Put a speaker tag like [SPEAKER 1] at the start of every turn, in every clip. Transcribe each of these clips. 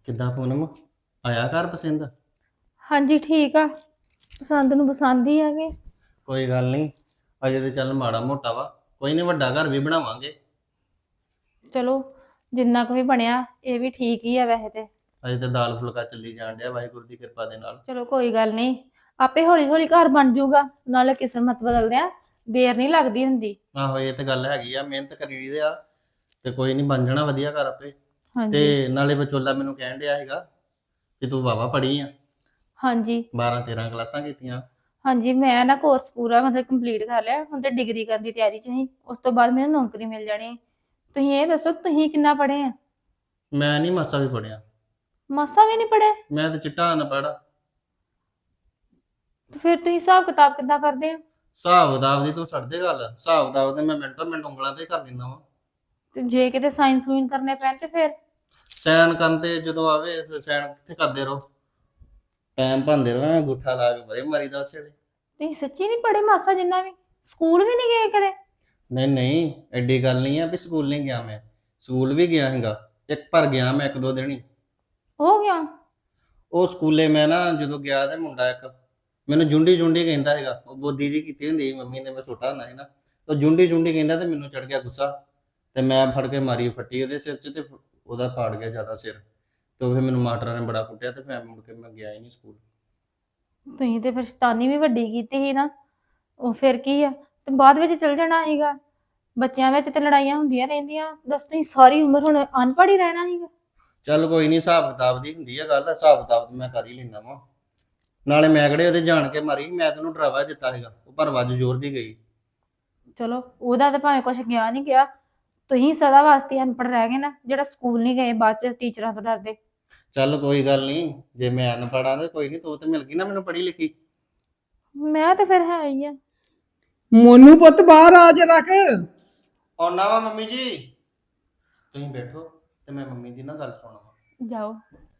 [SPEAKER 1] ਕਿੱਦਾਂ ਪੂਨਮ ਆਇਆ ਘਰ ਪਸੰਦ?
[SPEAKER 2] ਹਾਂਜੀ ਠੀਕ ਆ। ਪਸੰਦ ਨੂੰ ਪਸੰਦ ਹੀ ਹੈਗੇ।
[SPEAKER 1] ਕੋਈ ਗੱਲ ਨਹੀਂ, ਅਜੇ ਤੇ ਚੱਲ ਮਾੜਾ ਮੋਟਾ ਵਾ। ਕੋਈ ਨਹੀਂ, ਵੱਡਾ ਘਰ ਵੀ ਬਣਾਵਾਂਗੇ।
[SPEAKER 2] ਚਲੋ ਜਿੰਨਾ ਕੁ ਵੀ ਬਣਿਆ ਇਹ ਵੀ ਠੀਕ ਹੀ ਆ ਵੈਸੇ ਤੇ।
[SPEAKER 1] ਅਜੇ ਤੇ ਦਾਲ ਫੁਲਕਾ ਚੱਲੀ ਜਾਣ ਡਿਆ ਵਾਹਿਗੁਰੂ ਦੀ ਕਿਰਪਾ ਦੇ ਨਾਲ।
[SPEAKER 2] ਚਲੋ ਕੋਈ ਗੱਲ ਨਹੀਂ, ਆਪੇ ਹੌਲੀ ਹੌਲੀ ਘਰ ਬਣ ਜਾਊਗਾ। ਨਾਲੇ ਕਿਸਮਤ ਬਦਲਦੇ ਆ, ਦੇਰ ਨਹੀਂ ਲੱਗਦੀ ਹੁੰਦੀ।
[SPEAKER 1] ਆਹੋ ਇਹ ਤੇ ਗੱਲ ਹੈਗੀ ਆ, ਮਿਹਨਤ ਕਰੀ ਦੀ ਆ ਤੇ ਕੋਈ ਨਹੀਂ ਬਣ ਜਾਣਾ ਵਧੀਆ ਘਰ ਆਪੇ।
[SPEAKER 2] ਹਾਂਜੀ
[SPEAKER 1] ਤੇ ਨਾਲੇ ਵਿਚੋਲਾ ਮੈਨੂੰ ਕਹਿਣ ਡਿਆ ਹੈਗਾ ਕਿ ਤੂੰ ਵਾਵਾ ਪੜ੍ਹੀ ਆ,
[SPEAKER 2] ਹਾਂਜੀ
[SPEAKER 1] 12 13 ਕਲਾਸਾਂ ਕੀਤੀਆਂ।
[SPEAKER 2] ਹਾਂਜੀ। ਮੈਂ ਨਾ ਕੋਰਸ ਪੂਰਾ ਮਤਲਬ ਕੰਪਲੀਟ ਕਰ ਲਿਆ, ਹੁਣ ਤੇ ਡਿਗਰੀ ਕਰਨ ਦੀ ਤਿਆਰੀ ਚ ਹੀ। ਉਸ ਤੋਂ ਬਾਅਦ ਮੈਨੂੰ ਨੌਕਰੀ ਮਿਲ ਜਾਣੀ ਹੈ। ਤੁਸੀਂ ਇਹ ਦੱਸੋ ਤੁਸੀਂ ਕਿੰਨਾ ਪੜ੍ਹੇ ਆ?
[SPEAKER 1] ਮੈਂ ਨਹੀਂ ਮਾਸਾ ਵੀ ਪੜਿਆ।
[SPEAKER 2] ਮਾਸਾ ਵੀ ਨਹੀਂ ਪੜ੍ਹੇ?
[SPEAKER 1] ਮੈਂ ਤੇ ਚਿੱਟਾ ਅਨਪੜ੍ਹ।
[SPEAKER 2] ਤੇ ਫਿਰ ਤੁਸੀਂ ਹਿਸਾਬ ਕਿਤਾਬ ਕਿੱਦਾਂ ਕਰਦੇ ਆ?
[SPEAKER 1] ਹਿਸਾਬ ਕਿਤਾਬ ਦੀ ਤੂੰ ਛੱਡ ਦੇ ਗੱਲ, ਹਿਸਾਬ ਕਿਤਾਬ ਤੇ ਮੈਂ ਮਿੰਟੋ ਮਿੰਟ ਉਂਗਲਾਂ ਤੇ ਹੀ ਕਰ ਦਿੰਦਾ ਵਾ।
[SPEAKER 2] ਤੇ ਜੇ ਕਿਤੇ ਸਾਇੰਸ ਸੂਇਨ ਕਰਨੇ ਪੈਣ ਤੇ ਫਿਰ?
[SPEAKER 1] ਸੈਨ ਕਰਨ ਤੇ ਜਦੋਂ ਆਵੇ ਫਿਰ ਸੈਨ ਕਿੱਥੇ ਕਰਦੇ ਰਹੋ, ਟਾਈਮ ਭਾਂਦੇ ਰਹੋ, ਅੰਗੂਠਾ ਲਾ ਕੇ ਬਰੇ ਮਾਰੀ ਦਾ ਉਸੇ ਵੇਲੇ।
[SPEAKER 2] ਤੁਸੀਂ ਸੱਚੀ ਨਹੀਂ ਪੜ੍ਹੇ ਮਾਸਾ ਜਿੰਨਾ ਵੀ? ਸਕੂਲ ਵੀ ਨਹੀਂ ਗਏ ਕਦੇ?
[SPEAKER 1] ਨਹੀਂ ਨਹੀਂ, ਐਡੀ ਗੱਲ ਨਹੀਂ ਆ ਵੀ ਸਕੂਲ ਨਹੀਂ ਗਿਆ। ਮੈਂ ਸਕੂਲ ਵੀ ਗਿਆ ਹੈਗਾ, ਇੱਕ ਪਰ ਗਿਆ ਮੈਂ 1 2 ਦਿਨ ਹੀ।
[SPEAKER 2] ਹੋ ਗਿਆ।
[SPEAKER 1] ਉਹ ਸਕੂਲੇ ਮੈਂ ਨਾ ਜਦੋਂ ਗਿਆ ਤੇ ਮੁੰਡਾ ਇੱਕ ਮੈਨੂੰ ਜੁੰਡੀ ਜੁੰਡੀ ਕਹਿੰਦਾ ਹੈਗਾ। ਉਹ ਬੋਦੀ ਜੀ ਕੀਤੀ ਹੁੰਦੀ ਸੀ ਮੰਮੀ ਨੇ, ਮੈਂ ਛੋਟਾ ਹੁੰਦਾ ਸੀ ਨਾ। ਉਹ ਜੁੰਡੀ ਜੁੰਡੀ ਕਹਿੰਦਾ ਤੇ ਮੈਨੂੰ ਚੜ ਗਿਆ ਗੁੱਸਾ, ਤੇ ਮੈਂ ਫੜ ਕੇ ਮਾਰੀ ਫੱਟੀ ਉਹਦੇ ਸਿਰ 'ਚ, ਤੇ ਉਹਦਾ ਪਾੜ ਗਿਆ ਜ਼ਿਆਦਾ ਸਿਰ। ਤੇ ਉਹ ਫਿਰ ਮੈਨੂੰ ਮਾਸਟਰਾਂ ਨੇ ਬੜਾ ਕੁੱਟਿਆ, ਤੇ ਫਿਰ ਮੁੜ ਕੇ ਮੈਂ ਗਿਆ ਹੀ ਨਹੀਂ ਸਕੂਲ।
[SPEAKER 2] ਤੁਸੀਂ ਤੇ ਫਿਰ ਸ਼ੈਤਾਨੀ ਵੀ ਵੱਡੀ ਕੀਤੀ ਸੀ ਨਾ। ਉਹ ਫਿਰ ਕੀ ਆ, ਤੇ ਬਾਅਦ ਵਿੱਚ ਚਲ ਜਾਣਾ ਸੀਗਾ। ਬੱਚਿਆਂ ਵਿੱਚ ਤੇ ਲੜਾਈਆਂ ਹੁੰਦੀਆਂ ਰਹਿੰਦੀਆਂ, ਦੱਸ ਤੁਸੀਂ ਸਾਰੀ ਉਮਰ ਹੁਣ ਅਨਪੜ੍ਹ ਹੀ ਰਹਿਣਾ ਸੀਗਾ।
[SPEAKER 1] ਚੱਲ ਕੋਈ ਨਹੀਂ, ਹਿਸਾਬ ਕਿਤਾਬ ਦੀ ਹੁੰਦੀ ਆ ਗੱਲ, ਹਿਸਾਬ ਕਿਤਾਬ ਤੇ ਮੈਂ ਕਰ ਹੀ ਲੈਂਦਾ ਵਾ। ਨਾਲੇ ਮੈਂ ਕਿਹੜੇ ਉਹਦੇ ਜਾਣ ਕੇ ਮਾਰੀ, ਮੈਂ ਤੈਨੂੰ ਡਰਾਵਾ ਦਿੱਤਾ ਸੀਗਾ, ਉਹ ਪਰ ਵੱਜ ਜ਼ੋਰ ਦੀ ਗਈ।
[SPEAKER 2] ਚਲੋ ਉਹਦਾ ਤਾਂ ਭਾਵੇਂ ਕੁਛ ਗਿਆ ਨਹੀਂ ਗਿਆ, ਤੁਸੀਂ ਸਦਾ ਵਾਸਤੇ ਅਨਪੜ੍ਹ ਰਹਿ ਗਏ ਨਾ, ਜਿਹੜਾ ਸਕੂਲ ਨਹੀਂ ਗਏ ਬਾਅਦ ਚ ਟੀਚਰਾਂ ਤੋਂ ਡਰਦੇ।
[SPEAKER 1] ਚੱਲ ਕੋਈ ਗੱਲ ਨਹੀਂ, ਜੇ ਮੈਂ ਅਨਪੜ੍ਹ ਆ ਤੇ ਕੋਈ ਨਹੀਂ, ਤੂੰ ਤੇ ਮਿਲ ਗਈ ਨਾ ਮੈਨੂੰ ਪੜ੍ਹੀ ਲਿਖੀ।
[SPEAKER 2] ਮੈਂ ਤੇ ਫਿਰ ਹੈ ਹੀ ਆ।
[SPEAKER 3] ਮੋਨੂ ਪੁੱਤ ਬਾਹਰ ਆ ਜਰਾ ਕੇ।
[SPEAKER 1] ਆਉਣਾ ਵਾ ਮੰਮੀ ਜੀ, ਤੁਸੀਂ ਬੈਠੋ ਤੇ ਮੈਂ ਮੰਮੀ ਦੀ ਨਾ ਗੱਲ ਸੁਣਾਵਾਂ।
[SPEAKER 2] ਜਾਓ।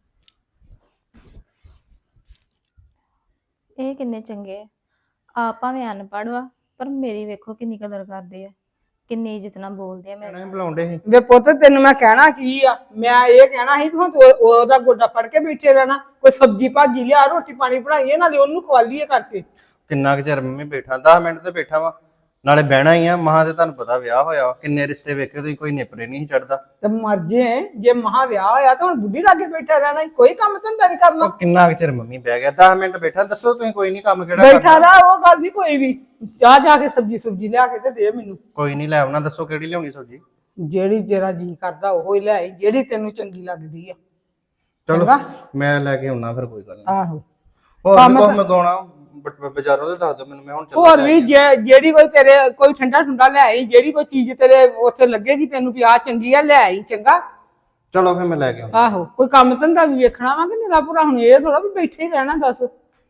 [SPEAKER 2] ਇਹ ਕਿੰਨੇ ਚੰਗੇ ਆ। ਆਪ ਭਾਵੇਂ ਅਨਪੜ੍ਹ ਵਾ, ਪਰ ਮੇਰੀ ਵੇਖੋ ਕਿੰਨੀ ਕਦਰ ਕਰਦੇ ਆ, ਕਿੰਨੀ ਇੱਜ਼ਤ ਨਾਲ ਬੋਲਦੇ ਆ ਮੇਰੇ
[SPEAKER 1] ਕਹਿਣਾ
[SPEAKER 2] ਨਾਲ।
[SPEAKER 1] ਹੀ ਬੁਲਾਉਂਦੇ ਸੀ।
[SPEAKER 3] ਵੇ ਪੁੱਤ ਤੈਨੂੰ ਮੈਂ ਕਹਿਣਾ ਕੀ ਆ, ਮੈਂ ਇਹ ਕਹਿਣਾ ਸੀ ਵੀ ਹੁਣ ਤੂੰ ਉਹਦਾ ਗੋਡਾ ਫੜ ਕੇ ਬੈਠੇ ਰਹਿਣਾ। ਕੋਈ ਸਬਜ਼ੀ ਭਾਜੀ ਲਿਆ, ਰੋਟੀ ਪਾਣੀ ਬਣਾਈਏ, ਨਾਲੇ ਉਹਨੂੰ ਖਵਾਲੀਏ ਕਰਕੇ।
[SPEAKER 1] ਕਿੰਨਾ ਕੁ ਚਿਰ ਮੰਮੀ ਬੈਠਾ, 10 ਮਿੰਟ ਤੇ ਬੈਠਾ ਵਾ, ਨਾਲੇ ਬਹਿਣਾ ਹੀ ਆ। ਮਹਾਂ ਤੇ ਤੁਹਾਨੂੰ ਪਤਾ ਵਿਆਹ ਹੋਇਆ ਵਾ, ਕਿੰਨੇ ਰਿਸ਼ਤੇ ਵੇਖੇ ਤੁਸੀਂ, ਕੋਈ ਨਿਪਰੇ ਨਹੀਂ ਚੜਦਾ।
[SPEAKER 3] ਤੇ ਮਰ ਜੇ ਮਹਾ ਵਿਆਹ ਹੋਇਆ ਤਾਂ ਹੁਣ ਬੁੱਢੀ ਲਾਗੇ ਬੈਠਾ ਰਹਿਣਾ ਈ, ਕੋਈ ਕੰਮ ਧੰਦਾ ਨਹੀਂ ਕਰਨਾ।
[SPEAKER 1] ਉਹ ਕਿੰਨਾ ਕੁ ਚਿਰ ਮੰਮੀ ਬਹਿ ਗਿਆ, 10 ਮਿੰਟ ਬੈਠਾ। ਦੱਸੋ ਤੁਸੀਂ ਕੋਈ ਨਹੀਂ ਕੰਮ ਕਿਹੜਾ
[SPEAKER 3] ਬੈਠਾ
[SPEAKER 1] ਕਰਨਾ।
[SPEAKER 3] ਰਹਾ, ਉਹ ਗੱਲ ਨਹੀਂ ਕੋਈ ਵੀ। ਜਾ ਕੇ ਸਬਜ਼ੀ ਸੁਬਜੀ ਲਿਆ ਕੇ ਤੇ ਦੇ ਮੈਨੂੰ।
[SPEAKER 1] ਕੋਈ ਨਹੀਂ ਲੈ ਆਉਣਾ, ਦੱਸੋ ਕਿਹੜੀ ਲਿਆਉਣੀ ਸਬਜ਼ੀ।
[SPEAKER 3] ਜਿਹੜੀ ਤੇਰਾ ਜੀ ਕਰਦਾ ਉਹ ਹੀ ਲੈ ਆਈ, ਜਿਹੜੀ ਤੈਨੂੰ ਚੰਗੀ ਲੱਗਦੀ ਆ।
[SPEAKER 1] ਚਲੋ
[SPEAKER 3] ਚੰਗਾ?
[SPEAKER 1] ਮੈਂ ਲੈ ਕੇ ਆਉਣਾ ਫਿਰ, ਕੋਈ ਗੱਲ ਨਹੀਂ।
[SPEAKER 3] ਆਹੋ।
[SPEAKER 1] ਹੋਰ
[SPEAKER 3] ਕੰਮ
[SPEAKER 1] ਵੀ ਕੁਛ
[SPEAKER 3] ਤਾਂ-
[SPEAKER 1] ਮੰਗਾਉਣਾ ਬਾਜ਼ਾਰੋਂ ਤੇ ਦੱਸ ਦਿਓ ਮੈਨੂੰ, ਮੈਂ ਹੁਣ
[SPEAKER 3] ਹੋਰ
[SPEAKER 1] ਚੱਲਾਂ।
[SPEAKER 3] ਵੀ ਜਿਹੜੀ ਕੋਈ ਤੇਰੇ ਕੋਈ ਠੰਡਾ ਠੁੰਡਾ ਲੈ ਆਈ, ਜਿਹੜੀ ਕੋਈ ਚੀਜ਼ ਤੇਰੇ ਉੱਥੇ ਲੱਗੇਗੀ ਤੈਨੂੰ ਵੀ ਆਹ ਚੰਗੀ ਆ, ਲੈ ਆਈ। ਚੰਗਾ?
[SPEAKER 1] ਚਲੋ ਫਿਰ ਮੈਂ ਲੈ ਕੇ ਆਉਂਦਾ।
[SPEAKER 3] ਆਹੋ। ਕੋਈ ਕੰਮ ਧੰਦਾ ਵੀ ਵੇਖਣਾ ਵਾ ਕਿ ਨਿਰਾ ਭਰਾ, ਹੁਣ ਇਹ ਥੋੜਾ ਵੀ ਬੈਠੇ ਹੀ ਰਹਿਣਾ। ਦੱਸ।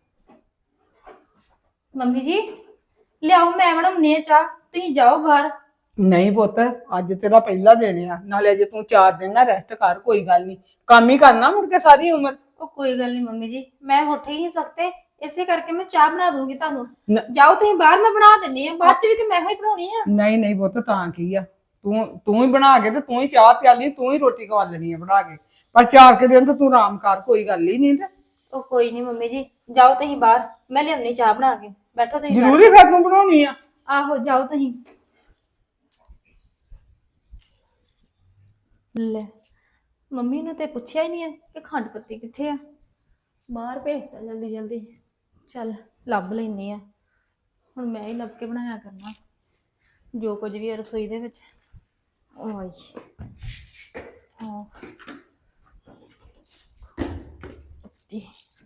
[SPEAKER 2] ਮੰਮੀ ਜੀ ਲਿਆਓ, ਮੈਂ ਬਣਾਉਣੀ ਆ ਚਾਹ, ਤੁਸੀਂ ਜਾਓ ਬਾਹਰ।
[SPEAKER 3] ਨਹੀਂ ਪੁੱਤ, ਅੱਜ ਤੇਰਾ ਪਹਿਲਾ ਦਿਨ ਆ, ਨਾਲੇ ਅਜੇ ਤੂੰ 4 ਦਿਨ ਨਾ ਰੈਸਟ ਕਰ। ਕੋਈ ਗੱਲ ਨਹੀਂ, ਕੰਮ ਹੀ ਕਰਨਾ ਮੁੜ ਕੇ ਸਾਰੀ ਉਮਰ।
[SPEAKER 2] ਉਹ ਕੋਈ ਗੱਲ ਨਹੀਂ ਮੰਮੀ ਜੀ, ਮੈਂ ਉੱਠ ਹੀ ਨਹੀਂ ਸਕਤੇ, ਇਸੇ ਕਰਕੇ ਮੈਂ ਚਾਹ ਬਣਾ ਦੂੰਗੀ ਤੁਹਾਨੂੰ।
[SPEAKER 3] ਨ-
[SPEAKER 2] ਜਾਓ ਤੁਸੀਂ ਬਾਹਰ, ਮੈਂ ਬਣਾ ਦਿੰਨੀ ਆ, ਬਾਅਦ ਚ ਵੀ ਤੇ ਮੈਂ ਹੀ ਬਣਾਉਣੀ ਆ।
[SPEAKER 3] ਨਹੀਂ ਨਹੀਂ ਪੁੱਤ, ਤਾਂ ਕੀ ਆ, ਤੂੰ ਹੀ ਬਣਾ ਕੇ ਤੇ ਤੂੰ ਹੀ ਚਾਹ ਪਿਆਲੀ, ਤੂੰ ਹੀ ਰੋਟੀ ਖਵਾ ਲੈਣੀ ਆ ਬਣਾ ਕੇ। ਪਰ 4 ਕੁ ਦਿਨ ਤਾਂ ਤੂੰ ਆਰਾਮ ਕਰ, ਕੋਈ ਗੱਲ ਹੀ ਨਹੀਂ। ਤੇ
[SPEAKER 2] ਉਹ ਕੋਈ ਨਹੀਂ ਮੰਮੀ ਜੀ, ਜਾਓ ਤੁਸੀਂ ਬਾਹਰ, ਮੈਂ ਲਿਆਉਣੀ ਚਾਹ ਬਣਾ ਕੇ। ਬੈਠੋ ਤੁਸੀਂ
[SPEAKER 3] ਜ਼ਰੂਰੀ ਫਿਰ ਤੂੰ ਬਣਾਉਣੀ ਆ?
[SPEAKER 2] ਆਹੋ ਜਾਓ ਤੁਸੀਂ। ਲੈ ਮੰਮੀ ਨੂੰ ਤੇ ਪੁੱਛਿਆ ਹੀ ਨਹੀਂ ਹੈ ਕਿ ਖੰਡ ਪੱਤੀ ਕਿੱਥੇ ਆ। ਬਾਹਰ ਭੇਜਤਾ ਜਲਦੀ ਜਲਦੀ। ਚੱਲ ਲੱਭ ਲੈਣੀ ਆ, ਹੁਣ ਮੈਂ ਹੀ ਲੱਭ ਕੇ ਬਣਾਇਆ ਕਰਨਾ ਜੋ ਕੁਝ ਵੀ ਹੈ ਰਸੋਈ ਦੇ ਵਿੱਚ। ਓਏ ਹਾਂ ਪੱਤੀ।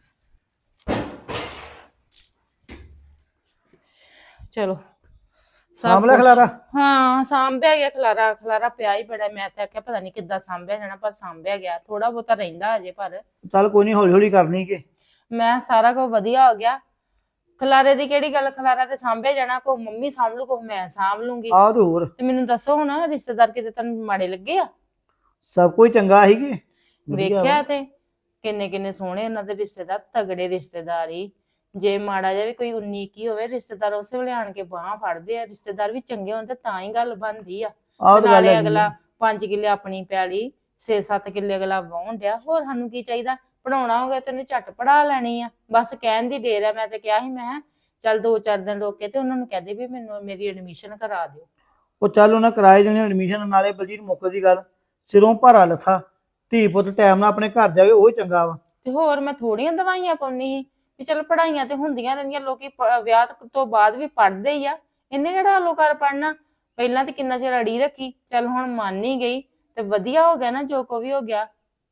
[SPEAKER 2] ਚਲੋ
[SPEAKER 3] ਸਾਂਭ ਖਲਾਰਾ।
[SPEAKER 2] ਹਾਂ ਸਾਂਭਿਆ ਗਿਆ, ਖਲਾਰਾ ਖਲਾਰਾ ਪਿਆ ਹੀ ਬੜਾ। ਮੈਂ ਤਾਂ ਆਖਿਆ ਪਤਾ ਨਹੀਂ ਕਿੱਦਾਂ ਸਾਂਭਿਆ ਜਾਣਾ, ਪਰ ਸਾਂਭਿਆ ਗਿਆ। ਥੋੜਾ ਬਹੁਤਾ ਰਹਿੰਦਾ ਅਜੇ, ਪਰ
[SPEAKER 3] ਚੱਲ ਕੋਈ ਨਹੀਂ, ਹੌਲੀ ਹੌਲੀ ਕਰਨੀ ਕਿ।
[SPEAKER 2] ਮੈਂ ਸਾਰਾ ਕੁਝ ਵਧੀਆ ਹੋ ਗਿਆ। ਖਲਾਰੇ ਦੀ ਕਿਹੜੀ ਗੱਲ, ਖਲਾਰਾ ਤੇ ਸਾਂਭਿਆ ਜਾਣਾ। ਕੋ ਮੰਮੀ ਸਾਂਭ ਲੂ, ਕੋ ਮੈਂ ਸਾਂਭ ਲੂੰਗੀ।
[SPEAKER 3] ਆਹ ਤੇ ਹੋਰ
[SPEAKER 2] ਤੇ ਮੈਨੂੰ ਦੱਸੋ ਹੁਣ, ਰਿਸ਼ਤੇਦਾਰ ਕਿਤੇ ਤੈਨੂੰ ਮਾੜੇ ਲੱਗੇ ਆ?
[SPEAKER 3] ਸਭ ਕੁਝ ਚੰਗਾ ਸੀ ਕਿ
[SPEAKER 2] ਵੇਖਿਆ ਤੇ ਕਿੰਨੇ ਕਿੰਨੇ ਸੋਹਣੇ ਉਹਨਾਂ ਦੇ ਰਿਸ਼ਤੇਦਾਰ, ਤਗੜੇ ਰਿਸ਼ਤੇਦਾਰ ਹੀ। ਜੇ ਮਾੜਾ ਜਿਹਾ ਵੀ ਕੋਈ 19 21 ਹੋਵੇ, ਰਿਸ਼ਤੇਦਾਰ ਉਸੇ ਵੇਲੇ ਆਣ ਕੇ ਬਾਹਾਂ ਫੜਦੇ ਆ। ਰਿਸ਼ਤੇਦਾਰ ਵੀ ਚੰਗੇ ਹੋਣ ਤੇ ਤਾਂ ਹੀ ਗੱਲ ਬਣਦੀ ਆ।
[SPEAKER 3] ਆਹ
[SPEAKER 2] ਤੇ
[SPEAKER 3] ਤਾਂ ਗੱਲ
[SPEAKER 2] ਨਾਲੇ
[SPEAKER 3] ਹੈਗੀ
[SPEAKER 2] ਅਗਲਾ
[SPEAKER 3] ਆ।
[SPEAKER 2] 5 ਕਿੱਲੇ ਆਪਣੀ ਪੈਲੀ
[SPEAKER 4] 6-7 ਕਿੱਲੇ ਅਗਲਾ ਵਾਹੁਣ ਡਿਆ, ਹੋਰ ਸਾਨੂੰ ਕੀ ਚਾਹੀਦਾ? ਪੜਾਉਣਾ ਹੋਗਾ ਤੈਨੂੰ ਝੱਟ ਪੜਾ ਲੈਣੀ ਆ, ਬਸ ਕਹਿਣ ਦੀ ਢੇਰ ਆ। ਮੈਂ ਤੇ ਕਿਹਾ ਸੀ, ਮੈਂ ਕਿਹਾ ਚੱਲ 2-4 ਦਿਨ ਰੋਕ ਕੇ ਤੇ ਉਹਨਾਂ ਨੂੰ ਕਹਦੇ ਵੀ ਮੈਨੂੰ ਮੇਰੀ ਐਡਮਿਸ਼ਨ ਕਰਾ ਦਿਓ।
[SPEAKER 5] ਉਹ ਚੱਲ ਉਹਨਾਂ ਕਰਾਏ ਜਣੇ ਐਡਮਿਸ਼ਨ, ਨਾਲੇ ਬਲਜੀਤ ਮੁੱਕ ਦੀ ਗੱਲ, ਸਿਰੋਂ ਭਾਰਾ ਲੱਥਾ, ਧੀ ਪੁੱਤ ਟਾਈਮ ਨਾਲ ਆਪਣੇ ਘਰ ਜਾਵੇ ਉਹ ਹੀ ਚੰਗਾ ਵਾ।
[SPEAKER 4] ਤੇ ਹੋਰ ਮੈਂ ਥੋੜੀਆਂ ਦਵਾਈਆਂ ਪਾਉਣੀ ਸੀ ਵੀ ਚੱਲ ਪੜਾਈਆਂ ਤੇ ਹੁੰਦੀਆਂ ਰਹਿੰਦੀਆਂ, ਲੋਕੀ ਵਿਆਹ ਤੋਂ ਬਾਅਦ ਵੀ ਪੜਦੇ ਹੀ ਆ, ਇਹਨੇ ਕਿਹੜਾ ਹਲੋ ਕਰ ਪੜਨਾ? ਪਹਿਲਾਂ ਤੇ ਕਿੰਨਾ ਚਿਰ ਅੜੀ ਰੱਖੀ, ਚੱਲ ਹੁਣ ਮੰਨ ਹੀ ਗਈ ਤੇ ਵਧੀਆ ਹੋ ਗਿਆ ਨਾ, ਜੋ ਕੋ ਵੀ ਹੋ ਗਿਆ।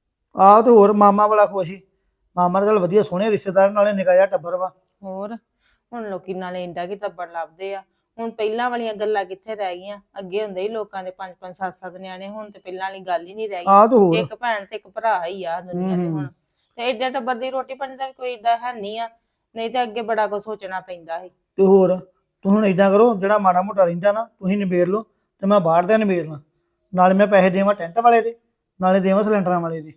[SPEAKER 5] ਆਹ ਤੇ ਹੋਰ ਮਾਮਾ ਬੜਾ ਖੁਸ਼ ਸੀ, ਮਾਮਾ ਦਾ ਚੱਲ ਵਧੀਆ ਸੋਹਣੇ ਰਿਸ਼ਤੇਦਾਰ, ਨਾਲੇ ਨਿੱਕਾ ਜਿਹਾ ਟੱਬਰ ਵਾ।
[SPEAKER 4] ਹੋਰ ਹੁਣ ਲੋਕੀ ਨਾਲੇ ਇੰਡਾ ਕੀ ਟੱਬਰ ਲੱਭਦੇ ਆ, ਹੁਣ ਪਹਿਲਾਂ ਵਾਲੀਆਂ ਗੱਲਾਂ ਕਿੱਥੇ ਰਹਿ ਗਈਆਂ? ਅੱਗੇ ਹੁੰਦੇ ਹੀ ਲੋਕਾਂ ਦੇ 5-5 7-7 ਨਿਆਣੇ, ਹੁਣ ਤੇ ਪਹਿਲਾਂ ਵਾਲੀ ਗੱਲ ਹੀ ਨਹੀਂ ਰਹਿ
[SPEAKER 5] ਆਹ ਤੇ
[SPEAKER 4] ਗਈ,
[SPEAKER 5] ਹੋਰ
[SPEAKER 4] ਇੱਕ ਭੈਣ ਤੇ ਇੱਕ ਭਰਾ ਹੀ ਆ ਦੁਨੀਆ ਤੇ ਹੁਣ। ਤੇ ਏਡਾ ਟੱਬਰ ਦੀ ਰੋਟੀ ਪਾਣੀ ਦਾ ਵੀ ਕੋਈ ਏਡਾ ਹੈ ਨਹੀਂ ਆ, ਨਹੀਂ ਤੇ ਅੱਗੇ ਬੜਾ ਕੁਝ ਸੋਚਣਾ ਪੈਂਦਾ ਸੀ।
[SPEAKER 5] ਤੇ ਹੋਰ ਤੂੰ ਹੁਣ ਏਦਾਂ ਕਰੋ, ਜਿਹੜਾ ਮਾੜਾ ਮੋਟਾ ਰਹਿੰਦਾ ਨਾ ਤੁਸੀਂ ਨਿਬੇੜ ਲਓ, ਤੇ ਮੈਂ ਬਾਹਰ ਦਾ ਨਿਬੇੜਨਾ, ਨਾਲੇ ਮੈਂ ਪੈਸੇ ਦੇਵਾਂ ਟੈਂਟ ਵਾਲੇ ਦੇ, ਨਾਲੇ ਦੇਵਾਂ ਸਿਲੰਡਰਾਂ ਵਾਲੇ ਦੇ।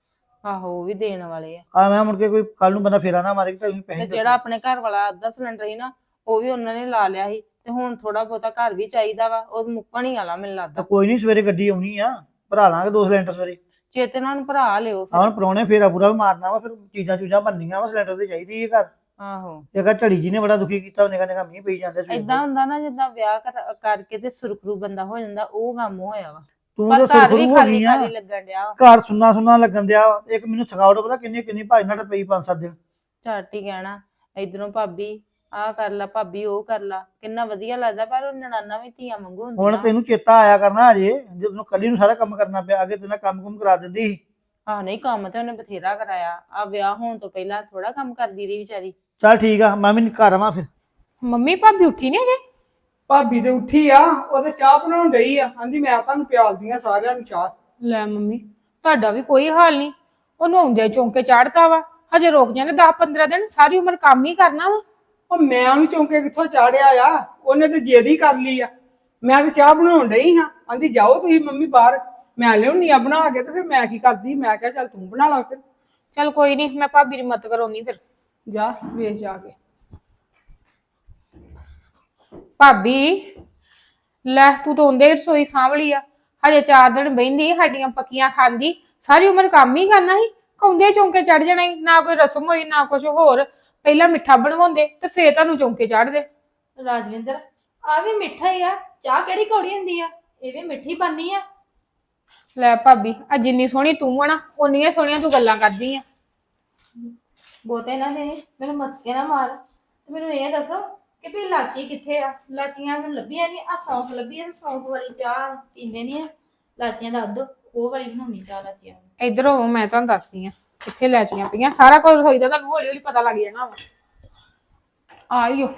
[SPEAKER 4] ਆਹੋ ਉਹ ਵੀ ਦੇਣ ਵਾਲੇ ਆ।
[SPEAKER 5] ਆ ਮੈਂ ਮੁੜ ਕੇ ਕੋਈ ਕੱਲ ਨੂੰ ਬੰਦਾ ਫੇਰਾ ਨਾ ਮਾਰੇ ਕਿ ਤੁਸੀਂ
[SPEAKER 4] ਤੇ
[SPEAKER 5] ਪੈਸੇ
[SPEAKER 4] ਜਿਹੜਾ ਆਪਣੇ ਘਰ ਵਾਲਾ ਅੱਧਾ ਸਿਲੰਡਰ ਸੀ ਨਾ, ਉਹ ਵੀ ਉਹਨਾਂ ਨੇ ਲਾ ਲਿਆ ਸੀ, ਤੇ ਹੁਣ ਥੋੜਾ ਬਹੁਤਾ ਘਰ ਵੀ ਚਾਹੀਦਾ ਵਾ, ਉਹ ਮੁੱਕਣ ਹੀ ਵਾਲਾ ਮੈਨੂੰ ਲੱਗਦਾ।
[SPEAKER 5] ਕੋਈ ਨਹੀਂ, ਸਵੇਰੇ ਗੱਡੀ ਆਉਣੀ ਆ, ਭਰਾ ਲਾਂਗੇ 2 ਸਿਲੰਡਰ ਸਵੇਰੇ।
[SPEAKER 4] ਚੇਤੇ ਨਾਲ ਭਰਾ ਲਿਓ ਫਿਰ।
[SPEAKER 5] ਹੁਣ ਪ੍ਰਾਹੁਣੇ ਫੇਰਾ ਪੂਰਾ ਵੀ ਮਾਰਨਾ ਵਾ, ਫਿਰ ਚੀਜ਼ਾਂ ਚੂਜ਼ਾਂ ਬਣਨੀਆਂ ਵਾ, ਸਿਲੰਡਰ ਤੇ ਚਾਹੀਦੀ ਹੈ ਘਰ।
[SPEAKER 4] ਆਹੋ
[SPEAKER 5] ਇਹ ਝੜੀ ਜੀ ਨੇ ਬੜਾ ਦੁਖੀ ਕੀਤਾ, ਨਿਕਾ ਨਿਕਾ ਮੀਂਹ ਪਈ ਜਾਂਦੇ ਸਵੇਰ
[SPEAKER 4] ਏਦਾਂ ਹੁੰਦਾ ਨਾ, ਜਿੱਦਾਂ ਵਿਆਹ ਕਰਕੇ ਤੇ ਸੁਰਖਰੂ ਬੰਦਾ ਹੋ ਜਾਂਦਾ, ਉਹ ਕੰਮ ਹੋਇਆ ਵਾ।
[SPEAKER 5] ਤੂੰ
[SPEAKER 4] ਪਰ
[SPEAKER 5] ਤਾਂ
[SPEAKER 4] ਘਰ ਵੀ
[SPEAKER 5] ਸੁਰਖਰੂ ਹੋ
[SPEAKER 4] ਖਾਲੀ
[SPEAKER 5] ਗਈ ਆ,
[SPEAKER 4] ਖਾਲੀ ਲੱਗਣ ਡਿਆ ਵਾ।
[SPEAKER 5] ਘਰ ਸੁੰਨਾ ਸੁੰਨਾ ਲੱਗਣ ਦਿਆ ਵਾ। ਇੱਕ ਮੈਨੂੰ ਥਕਾਵਟ ਪਤਾ ਕਿੰਨੀ ਕਿੰਨੀ ਭਾਈ ਨਾਲ ਪਈ 5-7 ਦਿਨ।
[SPEAKER 4] ਝੱਟ ਹੀ ਕਹਿਣਾ ਇਧਰੋਂ ਭਾਬੀ ਆਹ ਕਰ ਲਾ, ਭਾਬੀ ਉਹ ਕਰ ਲਾ, ਕਿੰਨਾ ਵਧੀਆ ਲੱਗਦਾ। ਪਰ ਉਹ ਨਨਾਣਾ ਵੀ ਧੀਆਂ ਵਾਂਗੂ
[SPEAKER 5] ਹੁਣ
[SPEAKER 4] ਹੁੰਦੀਆਂ।
[SPEAKER 5] ਤੈਨੂੰ ਚੇਤਾ ਆਇਆ ਕਰਨਾ ਅਜੇ, ਜਦੋਂ ਕੱਲੀ ਨੂੰ ਸਾਰਾ ਕੰਮ ਕਰਨਾ ਪਿਆ, ਅੱਗੇ ਤੇਨਾਂ ਕੰਮ ਕੁਮ ਕਰਾ ਦਿੰਦੀ ਸੀ।
[SPEAKER 4] ਆਹ ਨਹੀਂ, ਕੰਮ ਤੇ ਉਹਨੇ ਬਥੇਰਾ ਕਰਾਇਆ, ਆ ਵਿਆਹ ਹੋਣ ਤੋਂ ਪਹਿਲਾਂ ਥੋੜਾ ਕੰਮ ਕਰਦੀ ਰਹੀ ਵਿਚਾਰੀ।
[SPEAKER 5] ਚੱਲ ਠੀਕ ਆ, ਮੈਂ ਵੀ ਘਰ ਆਵਾਂ ਫਿਰ।
[SPEAKER 6] ਮੰਮੀ ਭਾਬੀ ਉੱਠੀ ਨਹੀਂ ਅਜੇ?
[SPEAKER 3] ਭਾਬੀ ਤੇ ਉੱਠੀ ਆ, ਉਹਦੇ ਚਾਹ ਬਣਾਉਣ ਡਈ ਆ, ਕਹਿੰਦੀ ਮੈਂ ਤੁਹਾਨੂੰ ਪਿਆਲਦੀ ਆ ਸਾਰਿਆਂ ਨੂੰ ਚਾਹ।
[SPEAKER 6] ਲੈ ਮੰਮੀ ਤੁਹਾਡਾ ਵੀ ਕੋਈ ਹਾਲ ਨਹੀਂ, ਉਹਨੂੰ ਆਉਂਦੇ ਚੌਂਕੇ ਚਾੜਤਾ ਵਾ, ਹਜੇ ਰੁਕ ਜਾਂਦੇ 10-15 ਦਿਨ, ਸਾਰੀ ਉਮਰ ਕੰਮ ਹੀ ਕਰਨਾ ਵਾ।
[SPEAKER 3] ਉਹ ਮੈਂ ਉਹਨੂੰ ਚੌਂਕੇ ਕਿੱਥੋਂ ਚਾੜਿਆ ਆ, ਉਹਨੇ ਤੇ ਜਿੱਦ ਹੀ ਕਰ ਲਈ ਆ। ਮੈਂ ਤੇ ਚਾਹ ਬਣਾਉਣ ਡਈ ਹਾਂ, ਕਹਿੰਦੀ ਜਾਓ ਤੁਸੀਂ ਮੰਮੀ ਬਾਹਰ, ਮੈਂ ਲਿਆਉਣੀ ਆ ਬਣਾ ਕੇ। ਤੇ ਫਿਰ ਮੈਂ ਕੀ ਕਰਦੀ, ਮੈਂ ਕਿਹਾ ਚੱਲ ਤੂੰ ਬਣਾ ਲਾ ਫਿਰ।
[SPEAKER 6] ਚੱਲ ਕੋਈ ਨਹੀਂ, ਮੈਂ ਭਾਬੀ ਦੀ ਮਦਦ ਕਰਾਉਣੀ ਫਿਰ।
[SPEAKER 3] ਜਾ ਵੇਖ ਜਾ ਕੇ।
[SPEAKER 6] ਭਾਬੀ ਲੈ ਤੂੰ ਤਾਂ ਆਉਂਦੇ ਰਸੋਈ ਸਾਂਭ ਲਈ ਆ, ਹਜੇ 4 ਦਿਨ ਬਹਿੰਦੀ ਸਾਡੀਆਂ ਪੱਕੀਆਂ ਖਾਂਦੀ, ਸਾਰੀ ਉਮਰ ਕੰਮ ਹੀ ਕਰਨਾ ਸੀ, ਕੌਂਦੇ ਚੌਂਕੇ ਚੜ ਜਾਣਾ ਸੀ। ਨਾ ਕੋਈ ਰਸਮ ਹੋਈ ਨਾ ਕੁਝ ਹੋਰ, ਪਹਿਲਾਂ ਮਿੱਠਾ ਬਣਵਾਉਂਦੇ ਤੇ ਫੇਰ ਤੁਹਾਨੂੰ ਚੌਂਕੇ ਚੜਦੇ।
[SPEAKER 2] ਰਾਜਵਿੰਦਰ ਆ ਵੀ ਮਿੱਠਾ ਹੀ ਆ, ਚਾਹ ਕਿਹੜੀ ਕੌੜੀ ਹੁੰਦੀ ਆ, ਇਹ ਵੀ ਮਿੱਠੀ ਬਣਨੀ ਆ।
[SPEAKER 6] ਲੈ ਭਾਬੀ ਆ ਜਿੰਨੀ ਸੋਹਣੀ ਤੂੰ ਆ ਨਾ, ਓਨੀਆਂ ਸੋਹਣੀਆਂ ਤੂੰ ਗੱਲਾਂ ਕਰਦੀ ਆ।
[SPEAKER 2] ਬਹੁਤੇ ਨਾ ਦੇ ਮੈਨੂੰ ਮਸਕੇ ਨਾ ਮਾਰ, ਤੇ ਮੈਨੂੰ ਇਹ ਦੱਸੋ ਕਿ ਵੀ ਲਾਚੀ ਕਿੱਥੇ ਆ? ਲਾਚੀਆਂ ਮੈਨੂੰ ਲੱਭੀਆਂ ਨਹੀਂ, ਆ ਸੌਂਫ ਲੱਭੀ ਆ, ਸੌਂਫ ਵਾਲੀ ਚਾਹ ਪੀਂਦੇ ਨਹੀਂ ਆ, ਲਾਚੀਆਂ ਦਾ ਅੱਧ ਉਹ ਵਾਲੀ ਬਣਾਉਣੀ ਚਾਹ ਲਾਚੀਆਂ ਦੀ।
[SPEAKER 6] ਇੱਧਰ ਹੋ, ਮੈਂ ਤੁਹਾਨੂੰ ਦੱਸਦੀ ਆ ਕਿੱਥੇ ਲੈਚੀਆਂ ਪਈਆਂ, ਸਾਰਾ ਕੁਝ ਹੋਈਦਾ ਤੁਹਾਨੂੰ ਹੌਲੀ ਹੌਲੀ ਪਤਾ ਲੱਗ ਜਾਣਾ ਵਾ। ਆਇਓ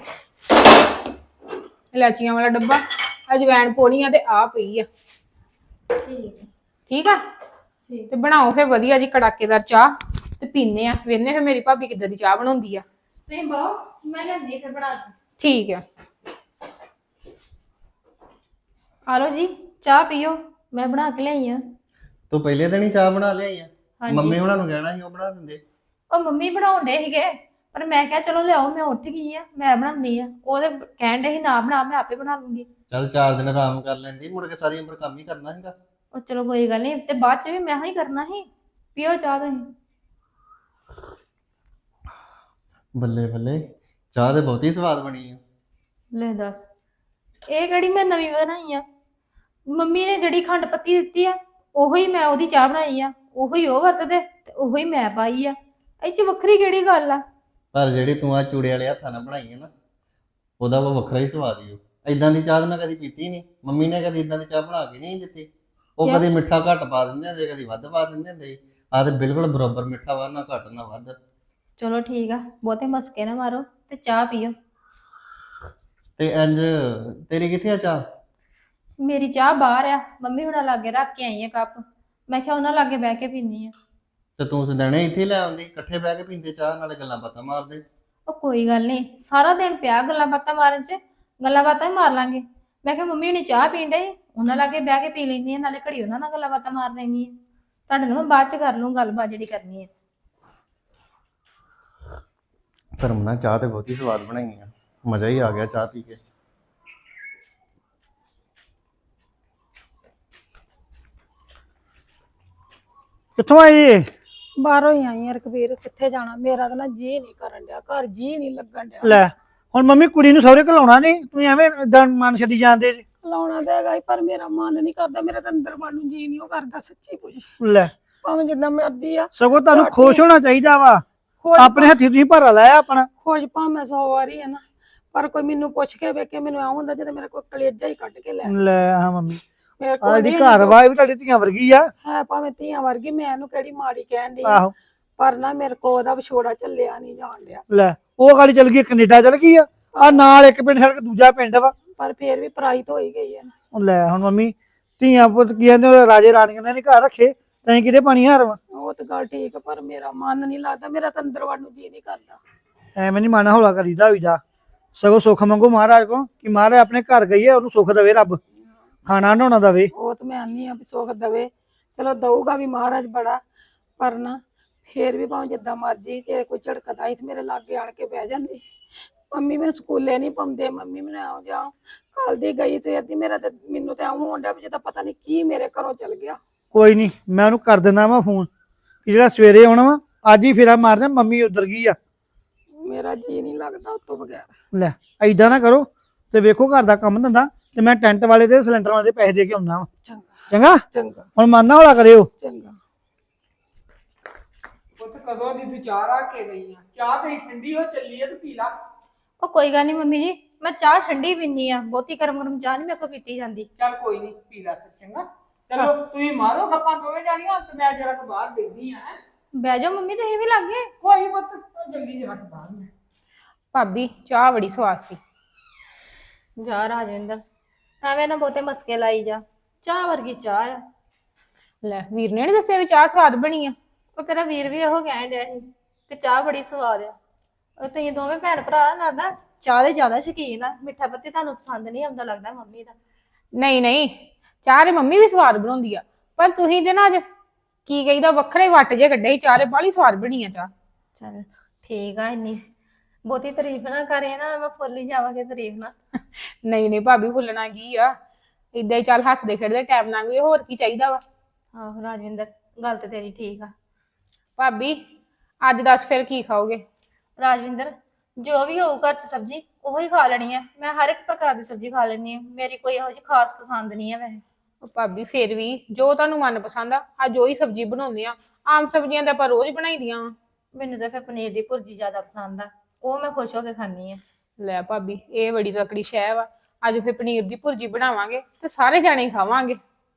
[SPEAKER 6] ਇਲਾਚੀਆਂ ਵਾਲਾ ਡੱਬਾ, ਅਜਵੈਣ ਪਾਉਣੀ ਆ ਤੇ ਆ ਪਈ ਆ।
[SPEAKER 2] ਠੀਕ ਹੈ
[SPEAKER 6] ਠੀਕ ਆ, ਤੇ ਬਣਾਓ ਫੇ ਵਧੀਆ ਜੀ ਕੜਾਕੇਦਾਰ ਚਾਹ ਤੇ ਪੀਨੇ ਆ, ਵੇਖਨੇ ਫੇ ਮੇਰੀ ਭਾਬੀ ਕਿੱਦਾਂ ਦੀ ਚਾਹ ਬਣਾਉਂਦੀ ਆ।
[SPEAKER 2] ਤੁਸੀਂ ਬਾਓ, ਮੈਂ ਲੈਂਦੀ ਫਿਰ ਬਣਾ ਕੇ।
[SPEAKER 6] ਠੀਕ ਆ,
[SPEAKER 2] ਆ ਲਓ ਜੀ ਚਾਹ ਪੀਓ, ਮੈਂ ਬਣਾ ਕੇ ਲਿਆਈ ਆ।
[SPEAKER 1] ਤੂੰ ਪਹਿਲੇ ਦਿਨ ਹੀ ਚਾਹ ਬਣਾ ਲਿਆਈ ਆ?
[SPEAKER 2] ਹਾਂਜੀ।
[SPEAKER 1] ਮੰਮੀ ਉਹਨਾਂ ਨੂੰ ਕਹਿਣਾ ਸੀ ਉਹ ਬਣਾ ਦਿੰਦੇ।
[SPEAKER 2] ਉਹ ਮੰਮੀ ਬਣਾਉਣ ਡੇ ਸੀਗੇ, ਪਰ ਮੈਂ ਕਿਹਾ ਚਲੋ ਲਿਆਓ, ਮੈਂ ਉੱਠ ਗਈ ਆ, ਮੈਂ ਬਣਾਉਂਦੀ ਆ। ਉਹਦੇ ਕਹਿਣ ਡੇ ਸੀ ਨਾ ਬਣਾ, ਮੈਂ ਆਪੇ ਬਣਾ ਲੂੰਗੀ।
[SPEAKER 1] ਚੱਲ 4 ਦਿਨ ਆਰਾਮ ਕਰ ਲੈਂਦੀ, ਮੁੜ ਕੇ ਸਾਰੀ ਉਮਰ ਕੰਮ ਹੀ ਕਰਨਾ ਹੈਗਾ।
[SPEAKER 2] ਉਹ ਚਲੋ ਕੋਈ ਗੱਲ ਨਹੀਂ, ਤੇ ਬਾਅਦ ਚ ਵੀ ਮੈਂ ਹੀ ਕਰਨਾ ਸੀ। ਪੀਓ ਚਾਹ ਤੁਸੀਂ।
[SPEAKER 1] ਬੱਲੇ ਬੱਲੇ, ਚਾਹ ਤੇ ਬਹੁਤੀ ਸਵਾਦ ਬਣੀ ਆ।
[SPEAKER 2] ਲੈ ਦੱਸ, ਇਹ ਕਿਹੜੀ ਮੈਂ ਨਵੀਂ ਬਣਾਈ ਆ? ਮੰਮੀ ਨੇ ਜਿਹੜੀ ਖੰਡ ਪੱਤੀ ਦਿੱਤੀ ਆ, ਉਹੀ ਮੈਂ ਉਹਦੀ ਚਾਹ ਬਣਾਈ ਆ, ਉਹੀ ਉਹ ਵਰਤਦੇ ਤੇ ਉਹੀ ਮੈਂ ਪਾਈ ਆ। ਇਹ ਚ ਵੱਖਰੀ ਕਿਹੜੀ ਗੱਲ ਆ?
[SPEAKER 1] ਪਰ ਜਿਹੜੀ ਤੂੰ ਆ ਚੂੜੇ ਵਾਲੇ ਹੱਥਾਂ ਨਾਲ ਬਣਾਈ ਹੈ ਨਾ, ਉਹਦਾ ਉਹ ਵੱਖਰਾ ਹੀ ਸਵਾਦ ਹੀ। ਇਦਾਂ ਦੀ ਚਾਹ ਤਾਂ ਮੈਂ ਕਦੀ ਪੀਤੀ ਨਹੀਂ, ਮੰਮੀ ਨੇ ਕਦੀ ਇਦਾਂ ਦੀ ਚਾਹ ਬਣਾ ਕੇ ਨਹੀਂ ਦਿੱਤੀ। ਉਹ ਕਦੀ ਮਿੱਠਾ ਘੱਟ ਪਾ ਦਿੰਦੇ ਹੁੰਦੇ, ਕਦੀ ਵੱਧ ਪਾ ਦਿੰਦੇ ਹੁੰਦੇ। ਆ ਤੇ ਬਿਲਕੁਲ ਬਰਾਬਰ ਮਿੱਠਾ ਵਾ, ਨਾ ਘੱਟ ਨਾ ਵੱਧ।
[SPEAKER 2] ਚਲੋ ਠੀਕ ਆ, ਬਹੁਤੇ ਮਸਕੇ ਨਾ ਮਾਰੋ ਤੇ ਚਾਹ ਪੀਓ।
[SPEAKER 1] ਤੇ ਇੰਜ ਤੇਰੀ ਕਿੱਥੇ ਆ ਚਾਹ?
[SPEAKER 2] ਮੇਰੀ ਚਾਹ ਬਾਹਰ ਆ, ਮੰਮੀ ਹੁਣਾਂ ਲਾਗੇ ਰੱਖ ਕੇ ਆਈ ਆ ਕੱਪ, ਮੈਂ ਕਿਹਾ ਉਹਨਾਂ ਲਾਗੇ ਬਹਿ ਕੇ ਪੀਨੀ ਆ।
[SPEAKER 1] ਤੇ ਤੂੰ ਸਦਣੇ ਇੱਥੇ ਲੈ ਆਉਂਦੀ, ਇਕੱਠੇ ਬਹਿ ਕੇ ਪੀਂਦੇ ਚਾਹ, ਨਾਲੇ ਗੱਲਾਂ ਬਾਤਾਂ ਮਾਰਦੇ।
[SPEAKER 2] ਉਹ ਕੋਈ ਗੱਲ ਨਹੀਂ, ਸਾਰਾ ਦਿਨ ਪਿਆ ਗੱਲਾਂ ਬਾਤਾਂ ਮਾਰਨ ਚ, ਗੱਲਾਂ ਬਾਤਾਂ ਹੀ ਮਾਰ ਲਾਂਗੇ। ਮੈਂ ਕਿਹਾ ਮੰਮੀ ਹੁਣੀ ਚਾਹ ਪੀਣ ਡੇ, ਉਹਨਾਂ ਲਾਗੇ ਬਹਿ ਕੇ ਪੀ ਲੈਣੀ ਆ, ਨਾਲੇ ਘੜੀ ਉਹਨਾਂ ਨਾਲ ਗੱਲਾਂ ਬਾਤਾਂ ਮਾਰ ਲੈਣੀ ਆ। ਤੁਹਾਡੇ ਨਾਲ ਮੈਂ ਬਾਅਦ ਚ ਕਰ ਲੂੰ ਗੱਲਬਾਤ ਜਿਹੜੀ ਕਰਨੀ ਹੈ।
[SPEAKER 1] ਧਰਮ ਚਾਹ ਤੇ ਬਹੁਤੀ ਸਵਾਦ ਬਣਾਈ ਆ, ਮਜ਼ਾ ਹੀ ਆ ਗਿਆ ਚਾਹ ਪੀ ਕੇ।
[SPEAKER 5] ਕਿੱਥੋਂ ਆਏ ਜੀ?
[SPEAKER 7] ਬਾਹਰੋਂ ਹੀ ਆਈ ਆ ਰਕਬੀਰ, ਕਿੱਥੇ ਜਾਣਾ? ਮੇਰਾ ਤਾਂ ਨਾ ਜੀ ਨਹੀਂ ਕਰਨ ਡਿਆ, ਘਰ ਜੀ ਨਹੀਂ ਲੱਗਣ ਡਿਆ।
[SPEAKER 5] ਲੈ ਹੁਣ ਮੰਮੀ ਕੁੜੀ ਨੂੰ ਸਹੁਰੇ ਘਲਾਉਣਾ ਨਹੀਂ, ਤੁਸੀਂ ਐਵੇਂ ਏਦਾਂ ਮਨ ਛੱਡੀ ਜਾਂਦੇ ਜੀ।
[SPEAKER 7] ਲਾਉਣਾ ਤਾਂ ਹੈਗਾ ਈ, ਪਰ ਮੇਰਾ ਮਨ ਨਹੀਂ ਕਰਦਾ, ਮੇਰਾ ਤਾਂ ਅੰਦਰ ਮਨ ਨੂੰ ਜੀ ਨਹੀਂ ਉਹ ਕਰਦਾ ਸੱਚੀ ਪੁੱਛ।
[SPEAKER 5] ਲੈ
[SPEAKER 7] ਭਾਵੇਂ ਜਿੱਦਾਂ ਮਰਜ਼ੀ ਆ,
[SPEAKER 5] ਸਗੋਂ ਤੁਹਾਨੂੰ ਖੁਸ਼ ਹੋਣਾ ਚਾਹੀਦਾ ਵਾ,
[SPEAKER 7] ਖੋਜ
[SPEAKER 5] ਆਪਣੇ ਹੱਥੀ ਤੁਸੀਂ ਭਾਰਾ ਲਾਇਆ ਆਪਣਾ।
[SPEAKER 7] ਖੋਜ ਭਾਵੇਂ 100 ਵਾਰੀ ਹੈ ਨਾ, ਪਰ ਕੋਈ ਮੈਨੂੰ ਪੁੱਛ ਕੇ ਵੇਖੇ, ਮੈਨੂੰ ਆਉਂ ਹੁੰਦਾ ਜਦੋਂ ਮੇਰਾ ਕੋਈ ਕਲੇਜਾ ਹੀ ਕੱਢ ਕੇ ਲੈ।
[SPEAKER 5] ਲੈ ਹਾਂ ਮੰਮੀ,
[SPEAKER 7] ਮੇਰੇ
[SPEAKER 5] ਆ
[SPEAKER 7] ਕੋਲ
[SPEAKER 5] ਜਿਹੜੀ
[SPEAKER 7] ਨਹੀਂ
[SPEAKER 5] ਘਰ ਵਾ ਇਹ ਵੀ ਤੁਹਾਡੀ ਧੀਆਂ ਵਰਗੀ ਆ।
[SPEAKER 7] ਹੈ, ਭਾਵੇਂ ਧੀਆਂ ਵਰਗੀ, ਮੈਂ ਇਹਨੂੰ ਕਿਹੜੀ ਮਾੜੀ ਕਹਿਣ ਡਈ ਆ,
[SPEAKER 5] ਆਹੋ
[SPEAKER 7] ਪਰ ਨਾ ਮੇਰੇ ਕੋਲ ਉਹਦਾ ਵਿਛੋੜਾ ਚੱਲਿਆ ਨਹੀਂ ਜਾਣ ਡਿਆ।
[SPEAKER 5] ਲੈ ਉਹ ਗਾੜੀ ਚਲ ਗਈ, ਕੈਨੇਡਾ ਚਲ ਗਈ ਆ ਨਾਲ ਇੱਕ ਪਿੰਡ ਛੱਡ ਕੇ ਦੂਜਾ ਪਿੰਡ ਵਾ।
[SPEAKER 7] ਪਰ ਫੇਰ ਵੀ ਪਰਾਈ ਤਾਂ ਹੋਈ ਗਈ ਹੈ ਨਾ।
[SPEAKER 5] ਉਹ ਲੈ ਹੁਣ ਮੰਮੀ ਧੀਆਂ ਪੁੱਤ ਕੀ ਕਹਿੰਦੇ ਉਹ ਰਾਜੇ ਰਾਣੀਆਂ ਨੇ ਨੀ ਘਰ ਰੱਖੇ, ਤੈਂ ਕਿਤੇ ਪਾਣੀ ਹਾਰ ਵਾ।
[SPEAKER 7] ਉਹ ਤਾਂ ਗੱਲ ਠੀਕ ਆ, ਪਰ ਮੇਰਾ ਮਨ ਨਹੀਂ ਲੱਗਦਾ, ਮੇਰਾ ਤਾਂ ਅੰਦਰ ਵੜਨ ਨੂੰ ਜੀ ਨਹੀਂ ਕਰਦਾ।
[SPEAKER 5] ਐਵੇਂ ਨੀ ਮਨ ਹੌਲਾ ਕਰੀਦਾ ਹੋਈ ਜਾ, ਸਗੋਂ ਸੁੱਖ ਮੰਗੋ ਮਹਾਰਾਜ ਕੋ ਕਿ ਮਹਾਰਾਜ ਆਪਣੇ ਘਰ ਗਈ ਹੈ ਉਹਨੂੰ ਸੁੱਖ ਦੇਵੇ, ਰੱਬ ਖਾਣਾ ਨਹਾਉਣਾ ਦੇਵੇ।
[SPEAKER 7] ਉਹ ਤਾਂ ਮੈਂ ਆਨੀ ਆ ਵੀ ਸੁੱਖ ਦੇਵੇ, ਚਲੋ ਦਊਗਾ ਵੀ ਮਹਾਰਾਜ ਬੜਾ, ਪਰ ਨਾ ਫੇਰ ਵੀ ਭਾਵੇਂ ਜਿੱਦਾਂ ਮਰਜੀ ਕਿ ਕੋਈ ਝੜਕਦਾ ਸੀ ਤੇ ਮੇਰੇ ਲਾਗੇ ਆਣ ਕੇ ਬਹਿ ਜਾਂਦੀ। ਮੰਮੀ ਮੈਨੂੰ ਸਕੂਲੇ ਨਹੀਂ ਪਾਉਂਦੇ, ਮੰਮੀ ਮੈਨੂੰ ਆਉ ਜਾਓ, ਕੱਲ ਦੀ ਗਈ ਸਵੇਰ ਦੀ, ਮੇਰਾ ਤੇ ਮੈਨੂੰ ਤਾਂ ਆਉਂ ਹੋਣ ਡਿਆ ਵੀ ਜਿੱਦਾਂ ਪਤਾ ਨਹੀਂ ਕੀ ਮੇਰੇ ਘਰੋਂ ਚਲ ਗਿਆ।
[SPEAKER 5] ਕੋਈ ਨਹੀਂ ਮੈਂ ਉਹਨੂੰ ਕਰ ਦਿੰਦਾ ਵਾ ਫੋਨ ਕਿ ਜਿਹੜਾ ਸਵੇਰੇ ਆਉਣਾ ਵਾ ਅੱਜ ਹੀ ਫੇਰਾ ਮਾਰਦੇ, ਮੰਮੀ ਉਧਰ ਗਈ ਆ।
[SPEAKER 7] ਮੇਰਾ ਜੀ ਨਹੀਂ ਲੱਗਦਾ ਉਸ ਤੋਂ ਬਗੈਰ।
[SPEAKER 5] ਲੈ ਐਦਾਂ ਨਾ ਕਰੋ ਤੇ ਵੇਖੋ ਘਰ ਦਾ ਕੰਮ ਧੰਦਾ, ਤੇ ਮੈਂ ਟੈਂਟ ਵਾਲੇ ਤੇ ਸਿਲੰਡਰ ਵਾਲੇ ਦੇ ਪੈਸੇ ਦੇ ਕੇ ਆਉਣਾ ਵਾ।
[SPEAKER 7] ਚੰਗਾ
[SPEAKER 5] ਚੰਗਾ
[SPEAKER 7] ਚੰਗਾ
[SPEAKER 5] ਹੁਣ ਮਨ ਨਾ ਹੌਲਾ ਕਰਿਓ।
[SPEAKER 7] ਚੰਗਾ।
[SPEAKER 3] ਪੁੱਤ ਕਦੋਂ ਦੀ ਤੂੰ ਚਾਹ ਰੱਖ ਕੇ ਗਈ ਆ? ਚਾਹ ਤੇ ਠੰਡੀ ਹੋ ਚੱਲੀ ਆ ਤੇ ਪੀ ਲਾ।
[SPEAKER 2] ਉਹ ਕੋਈ ਗੱਲ ਨਹੀਂ ਮੰਮੀ ਜੀ, ਮੈਂ ਚਾਹ ਠੰਡੀ ਪੀਨੀ ਆ, ਬਹੁਤੀ ਗਰਮ ਗਰਮ ਚਾਹ ਨਹੀਂ ਮੇਰੇ ਕੋਲ ਪੀਤੀ ਜਾਂਦੀ।
[SPEAKER 3] ਚੱਲ ਕੋਈ ਨਹੀਂ, ਪੀ ਲਾ ਫਿਰ ਚੰਗਾ। ਚਲੋ ਤੁਸੀਂ ਮਾਰੋ ਗੱਪਾਂ ਦੋਵੇਂ ਜਾਣੀਆਂ ਤੇ ਮੈਂ ਜਰਾ ਕੁ ਬਾਹਰ ਬੈਠੀ ਆ।
[SPEAKER 2] ਬਹਿ ਜਾਓ ਮੰਮੀ, ਤੁਸੀਂ ਵੀ ਲੱਗੇ।
[SPEAKER 3] ਕੋਈ ਪੁੱਤ ਜਲਦੀ ਜਰਾ ਕੁ ਬਾਹਰ ਮੈਂ।
[SPEAKER 6] ਭਾਬੀ ਚਾਹ ਬੜੀ ਸਵਾਦ ਸੀ।
[SPEAKER 2] ਜਾ ਰਾਜਵਿੰਦਰ, ਐਵੇਂ ਨਾ ਬਹੁਤੇ ਮਸਕੇ ਲਾਈ ਜਾ, ਚਾਹ ਵਰਗੀ ਚਾਹ ਆ।
[SPEAKER 6] ਲੈ ਵੀਰ ਨੇ ਨੀ ਦੱਸਿਆ ਵੀ ਚਾਹ ਸਵਾਦ ਬਣੀ ਆ?
[SPEAKER 2] ਉਹ ਤੇਰਾ ਵੀਰ ਵੀ ਇਹੋ ਕਹਿਣ ਡਿਆ ਸੀ ਕਿ ਚਾਹ ਬੜੀ ਸਵਾਦ ਆ। ਉਹ ਤੁਸੀਂ ਦੋਵੇਂ ਭੈਣ ਭਰਾ ਲੱਗਦਾ ਚਾਹ ਦੇ ਜ਼ਿਆਦਾ ਸ਼ੌਕੀਨ ਆ, ਮਿੱਠਾ ਪੱਤੀ ਤੁਹਾਨੂੰ ਪਸੰਦ ਨਹੀਂ ਆਉਂਦਾ ਲੱਗਦਾ ਮੰਮੀ ਦਾ।
[SPEAKER 6] ਨਹੀਂ ਨਹੀਂ, ਚਾਹ ਦੇ ਮੰਮੀ ਵੀ ਸਵਾਦ ਬਣਾਉਂਦੀ ਆ, ਪਰ ਤੁਸੀਂ ਤੇ ਨਾ ਅੱਜ ਕੀ ਕਹੀਦਾ ਵੱਖਰੇ ਵੱਟ ਜੇ ਕੱਢੇ ਸੀ, ਚਾਹ ਦੇ ਬਾਹਲੀ ਸਵਾਦ ਬਣੀ ਆ ਚਾਹ।
[SPEAKER 2] ਚਲ ਠੀਕ ਆ, ਇੰਨੀ ਬਹੁਤੀ ਤਾਰੀਫ ਨਾ ਕਰੇ ਨਾ, ਮੈਂ ਫੁੱਲ ਹੀ ਜਾਵਾਂਗੇ ਤਾਰੀਫ ਨਾਲ।
[SPEAKER 6] ਨਹੀਂ ਨਹੀਂ ਭਾਬੀ ਭੁੱਲਣਾ ਕੀ ਆ, ਇਦਾਂ ਹੀ ਚੱਲ ਹੱਸਦੇ ਖੇਡਦੇ ਟਾਈਮ ਲੰਘ ਜਾਏ, ਹੋਰ ਕੀ ਚਾਹੀਦਾ ਵਾ।
[SPEAKER 2] ਆਹੋ ਰਾਜਵਿੰਦਰ, ਗੱਲ ਤੇ ਤੇਰੀ ਠੀਕ ਆ।
[SPEAKER 6] ਭਾਬੀ ਅੱਜ ਦੱਸ ਫਿਰ ਕੀ ਖਾਓਗੇ?
[SPEAKER 2] ਰਾਜਵਿੰਦਰ, ਜੋ ਵੀ ਹੋਊ ਘਰ ਚ ਸਬਜ਼ੀ ਉਹੀ ਖਾ ਲੈਣੀ ਆ, ਮੈਂ ਹਰ ਇੱਕ ਪ੍ਰਕਾਰ ਦੀ ਸਬਜ਼ੀ ਖਾ ਲੈਣੀ ਆ, ਮੇਰੀ ਕੋਈ ਇਹੋ ਜਿਹੀ ਖਾਸ ਪਸੰਦ ਨਹੀਂ ਆ ਵੈਸੇ।
[SPEAKER 6] ਉਹ ਭਾਬੀ ਫਿਰ ਵੀ ਜੋ ਤੁਹਾਨੂੰ ਮਨ ਪਸੰਦ ਆ, ਅੱਜ ਉਹੀ ਸਬਜ਼ੀ ਬਣਾਉਂਦੇ ਆ। ਆਮ ਸਬਜ਼ੀਆਂ ਤਾਂ ਆਪਾਂ ਰੋਜ਼ ਬਣਾਈਦੀਆਂ ਵਾ।
[SPEAKER 2] ਮੈਨੂੰ ਤਾਂ ਫਿਰ ਪਨੀਰ ਦੀ ਭੁਰਜੀ ਜ਼ਿਆਦਾ ਪਸੰਦ ਆ, ਉਹ ਮੈਂ ਖੁਸ਼ ਹੋ ਕੇ ਖਾਂਦੀ ਆ।
[SPEAKER 6] ਲੈ ਭਾਬੀ ਇਹ ਬੜੀ ਤਕੜੀ ਸ਼ੈ ਵਾ, ਅੱਜ ਫਿਰ ਪਨੀਰ ਦੀ ਭੁਰਜੀ ਬਣਾਵਾਂਗੇ ਤੇ ਸਾਰੇ ਜਾਣੇ ਹੀ ਖਾਵਾਂਗੇ।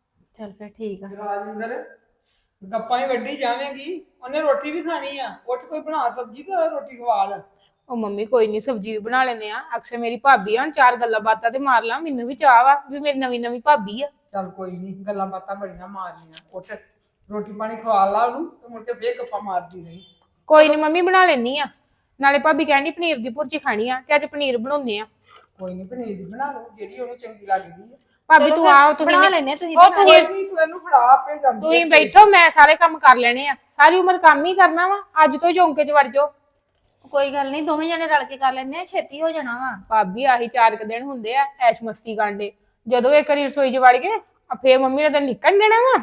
[SPEAKER 2] ਚਲ ਫਿਰ ਠੀਕ ਆ।
[SPEAKER 3] ਰਾਜਿੰਦਰ ਗੱਪਾਂ ਹੀ ਵੱਢੀ ਜਾਵੇਂਗੀ, ਉਹਨੇ ਰੋਟੀ ਵੀ ਖਾਣੀ ਆ। ਉੱਠ ਕੋਈ ਬਣਾ ਸਬਜ਼ੀ ਤੇ ਰੋਟੀ ਖਵਾ ਲੈ।
[SPEAKER 6] ਉਹ ਮੰਮੀ ਕੋਈ ਨਹੀਂ, ਸਬਜ਼ੀ ਵੀ ਬਣਾ ਲੈਂਦੇ ਆ। ਅਕਸਰ ਮੇਰੀ ਭਾਬੀ ਆ, ਹੁਣ ਚਾਰ ਗੱਲਾਂ ਬਾਤਾਂ ਤੇ ਮਾਰ ਲਾਂ, ਮੈਨੂੰ ਵੀ ਚਾਹ ਵਾ ਵੀ ਮੇਰੀ ਨਵੀਂ ਨਵੀਂ ਭਾਬੀ ਆ।
[SPEAKER 3] ਚੱਲ ਕੋਈ ਨਹੀਂ, ਗੱਲਾਂ ਬਾਤਾਂ ਬੜੀਆਂ ਮਾਰਨੀਆਂ। ਉੱਠ ਰੋਟੀ ਪਾਣੀ ਖਵਾ ਲਾ ਉਹਨੂੰ ਤੇ ਮੁੜ ਕੇ ਫੇਰ ਗੱਪਾਂ ਮਾਰਦੀ ਰਹੀ।
[SPEAKER 6] ਕੋਈ ਨਹੀਂ ਮੰਮੀ ਬਣਾ ਲੈਣੀ ਆ, ਨਾਲੇ ਭਾਬੀ ਕਹਿੰਦੀ ਪਨੀਰ ਦੀ ਭੁਰਜੀ ਖਾਣੀ ਆ ਤੇ ਅੱਜ ਪਨੀਰ ਬਣਾਉਂਦੇ ਆ।
[SPEAKER 3] ਕੋਈ ਨਹੀਂ, ਪਨੀਰ ਦੀ ਬਣਾ ਲਓ ਜਿਹੜੀ ਉਹਨੂੰ ਚੰਗੀ ਲੱਗਦੀ ਹੈ।
[SPEAKER 6] ਭਾਬੀ ਤੂੰ ਆਓ, ਤੁਸੀਂ
[SPEAKER 2] ਬਣਾ ਲੈਨੇ ਤੁਸੀਂ
[SPEAKER 6] ਉਹ
[SPEAKER 2] ਤੇ
[SPEAKER 6] ਤੁਸੀਂ
[SPEAKER 3] ਨਹੀਂ ਤੂੰ ਇਹਨੂੰ ਫੜਾ, ਆਪੇ ਜਾਂਦੀ
[SPEAKER 6] ਤੁਸੀਂ ਬੈਠੋ, ਮੈਂ ਸਾਰੇ ਕੰਮ ਕਰ ਲੈਣੇ ਆ। ਸਾਰੀ ਉਮਰ ਕੰਮ ਹੀ ਕਰਨਾ ਵਾ, ਅੱਜ ਤੋਂ ਚੌਂਕੇ 'ਚ ਵੜ ਜਾਓ।
[SPEAKER 2] ਕੋਈ ਗੱਲ ਨਹੀਂ, ਦੋਵੇਂ ਜਣੇ ਰਲ ਕੇ ਕਰ ਲੈਨੇ ਆ, ਛੇਤੀ ਹੋ ਜਾਣਾ ਵਾ।
[SPEAKER 6] ਭਾਬੀ ਆਹੀ 4 ਕੁ ਦਿਨ ਹੁੰਦੇ ਆ ਐਸ਼ ਮਸਤੀ ਕਾਂਡੇ, ਜਦੋਂ ਇੱਕ ਵਾਰੀ ਰਸੋਈ 'ਚ ਵੜ ਗਏ ਫੇਰ ਮੰਮੀ ਨੇ ਤਾਂ ਨਿਕਲ ਦੇਣਾ ਵਾ।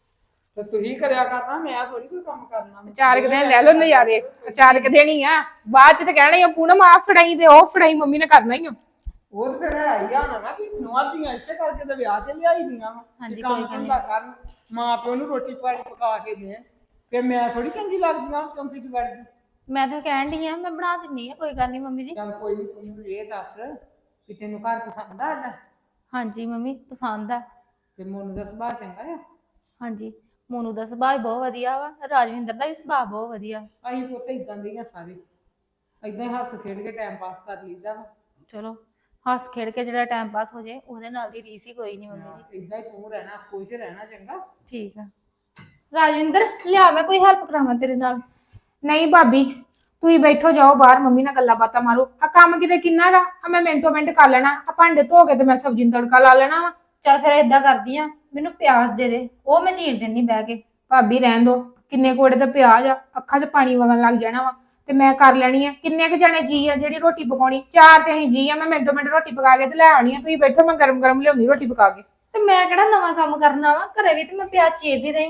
[SPEAKER 3] ਤੇ ਤੁਸੀਂ ਕਰਿਆ ਕਰਨਾ, ਮੈਂ ਥੋੜੀ ਕੋਈ ਕੰਮ ਕਰਨਾ।
[SPEAKER 6] 4 ਕੁ ਦਿਨ ਲੈ ਲਓ ਨਜ਼ਾਰੇ, 4 ਕੁ ਦਿਨ ਹੀ ਆ, ਬਾਅਦ 'ਚ ਤਾਂ ਕਹਿਣਾ ਹੀ ਆ ਪੂਨਮ ਆ ਫੜਾਈ ਤੇ ਉਹ ਫੜਾਈ, ਮੰਮੀ ਨੇ ਕਰਨਾ ਹੀ ਆ।
[SPEAKER 3] ਉਹ ਤੇ ਫਿਰ ਹੈ ਹੀ ਆ ਨਾ ਕਿ ਨਵਾਂ ਧੀਆਂ ਇਸੇ ਕਰਕੇ ਤਾਂ ਵਿਆਹ ਕੇ ਲਿਆਈ ਦੀਆਂ ਵਾ।
[SPEAKER 2] ਹਾਂਜੀ,
[SPEAKER 3] ਕੰਮ
[SPEAKER 2] ਕੋਈ ਗੱਲ
[SPEAKER 3] ਧੰਦਾ ਕਰਨ, ਮਾਂ ਪਿਓ ਨੂੰ ਰੋਟੀ ਪਾਣੀ ਪਕਾ ਕੇ ਦੇਣ, ਫਿਰ ਮੈਂ ਥੋੜੀ ਚੰਗੀ ਲੱਗਦੀ ਆ ਚੌਂਕੀ 'ਚ ਵੜਦੀ।
[SPEAKER 2] ਮੈਂ ਤਾਂ ਕਹਿਣ ਡਈ ਆ, ਮੈਂ ਬਣਾ ਦਿੰਨੀ ਆ, ਕੋਈ ਗੱਲ ਨਹੀਂ ਮੰਮੀ ਜੀ।
[SPEAKER 3] ਚੱਲ ਕੋਈ ਨਹੀਂ, ਤੂੰ ਮੈਨੂੰ ਇਹ ਦੱਸ ਕਿ ਤੈਨੂੰ ਘਰ ਪਸੰਦ ਆ ਸਾਡਾ?
[SPEAKER 2] ਹਾਂਜੀ ਮੰਮੀ, ਪਸੰਦ ਆ।
[SPEAKER 3] ਤੇ ਮੋਨੂ ਦਾ ਸੁਭਾਅ ਚੰਗਾ ਆ?
[SPEAKER 2] ਹਾਂਜੀ, ਮੋਨੂ ਦਾ ਸੁਭਾਅ ਬਹੁਤ ਵਧੀਆ ਵਾ, ਰਾਜਵਿੰਦਰ ਦਾ ਵੀ ਸੁਭਾਅ ਬਹੁਤ ਵਧੀਆ।
[SPEAKER 3] ਅਸੀਂ ਪੁੱਤ ਇਦਾਂ ਦੀਆਂ ਸਾਰੇ ਇਦਾਂ ਹੀ ਹੱਸ ਖੇਡ ਕੇ ਟਾਈਮ ਪਾਸ ਕਰ ਲਈਦਾ ਵਾ।
[SPEAKER 2] ਚਲੋ ਹੱਸ ਖੇਡ ਕੇ ਜਿਹੜਾ ਟਾਈਮ ਪਾਸ ਹੋ ਜਾਏ ਉਹਦੇ ਨਾਲ ਦੀ ਰੀਸ ਹੀ ਕੋਈ ਨਹੀਂ ਮੰਮੀ ਜੀ।
[SPEAKER 3] ਇਦਾਂ ਹੀ ਤੂੰ ਰਹਿਣਾ, ਖੁਸ਼ ਰਹਿਣਾ, ਚੰਗਾ?
[SPEAKER 2] ਠੀਕ ਆ। ਰਾਜਵਿੰਦਰ ਲਿਆ, ਮੈਂ ਕੋਈ ਹੈਲਪ ਕਰਾਵਾਂ ਤੇਰੇ ਨਾਲ?
[SPEAKER 6] ਨਹੀਂ ਭਾਬੀ ਤੁਸੀਂ ਬੈਠੋ, ਜਾਓ ਬਾਹਰ, ਮੰਮੀ ਨਾਲ ਗੱਲਾਂ ਬਾਤਾਂ ਮਾਰੋ। ਆ ਕੰਮ ਕਿਤੇ ਕਿੰਨਾ ਗਾ, ਆ ਮੈਂ ਮਿੰਟੋ ਮਿੰਟ ਕਰ ਲੈਣਾ। ਆ ਭਾਂਡੇ ਧੋ ਕੇ ਤੇ ਮੈਂ ਸਬਜ਼ੀ ਨੂੰ ਤੜਕਾ ਲਾ ਲੈਣਾ ਵਾ।
[SPEAKER 2] ਚੱਲ ਫਿਰ ਏਦਾਂ ਕਰਦੀ ਆ, ਮੈਨੂੰ ਪਿਆਜ਼ ਦੇ ਦੇ, ਉਹ ਮੈਂ ਚੀਰ ਦਿੰਨੀ ਬਹਿ ਕੇ।
[SPEAKER 6] ਭਾਬੀ ਰਹਿਣ ਦੋ, ਕਿੰਨੇ ਕੋੜੇ ਦਾ ਪਿਆਜ਼ ਆ, ਅੱਖਾਂ 'ਚ ਪਾਣੀ ਵਗਣ ਲੱਗ ਜਾਣਾ ਵਾ, ਤੇ ਮੈਂ ਕਰ ਲੈਣੀ ਆ। ਕਿੰਨੇ ਕੁ ਜਣੇ ਜੀ ਆ ਜਿਹੜੀ ਰੋਟੀ ਪਕਾਉਣੀ? 4 ਤੇ ਅਸੀਂ ਜੀ ਆ, ਮੈਂ ਮਿੰਟੋ ਮਿੰਟ ਰੋਟੀ ਪਕਾ ਕੇ ਤੇ ਲੈ ਆਉਣੀ ਆ। ਤੁਸੀਂ ਬੈਠੋ, ਮੈਂ ਗਰਮ ਗਰਮ ਲਿਆਉਣੀ ਰੋਟੀ ਪਕਾ ਕੇ।
[SPEAKER 2] ਤੇ ਮੈਂ ਕਿਹੜਾ ਨਵਾਂ ਕੰਮ ਕਰਨਾ ਵਾ, ਘਰੇ ਵੀ ਤੇ ਮੈਂ ਪਿਆਜ਼ ਚੀਰਦੀ ਰਹੀ ਆ।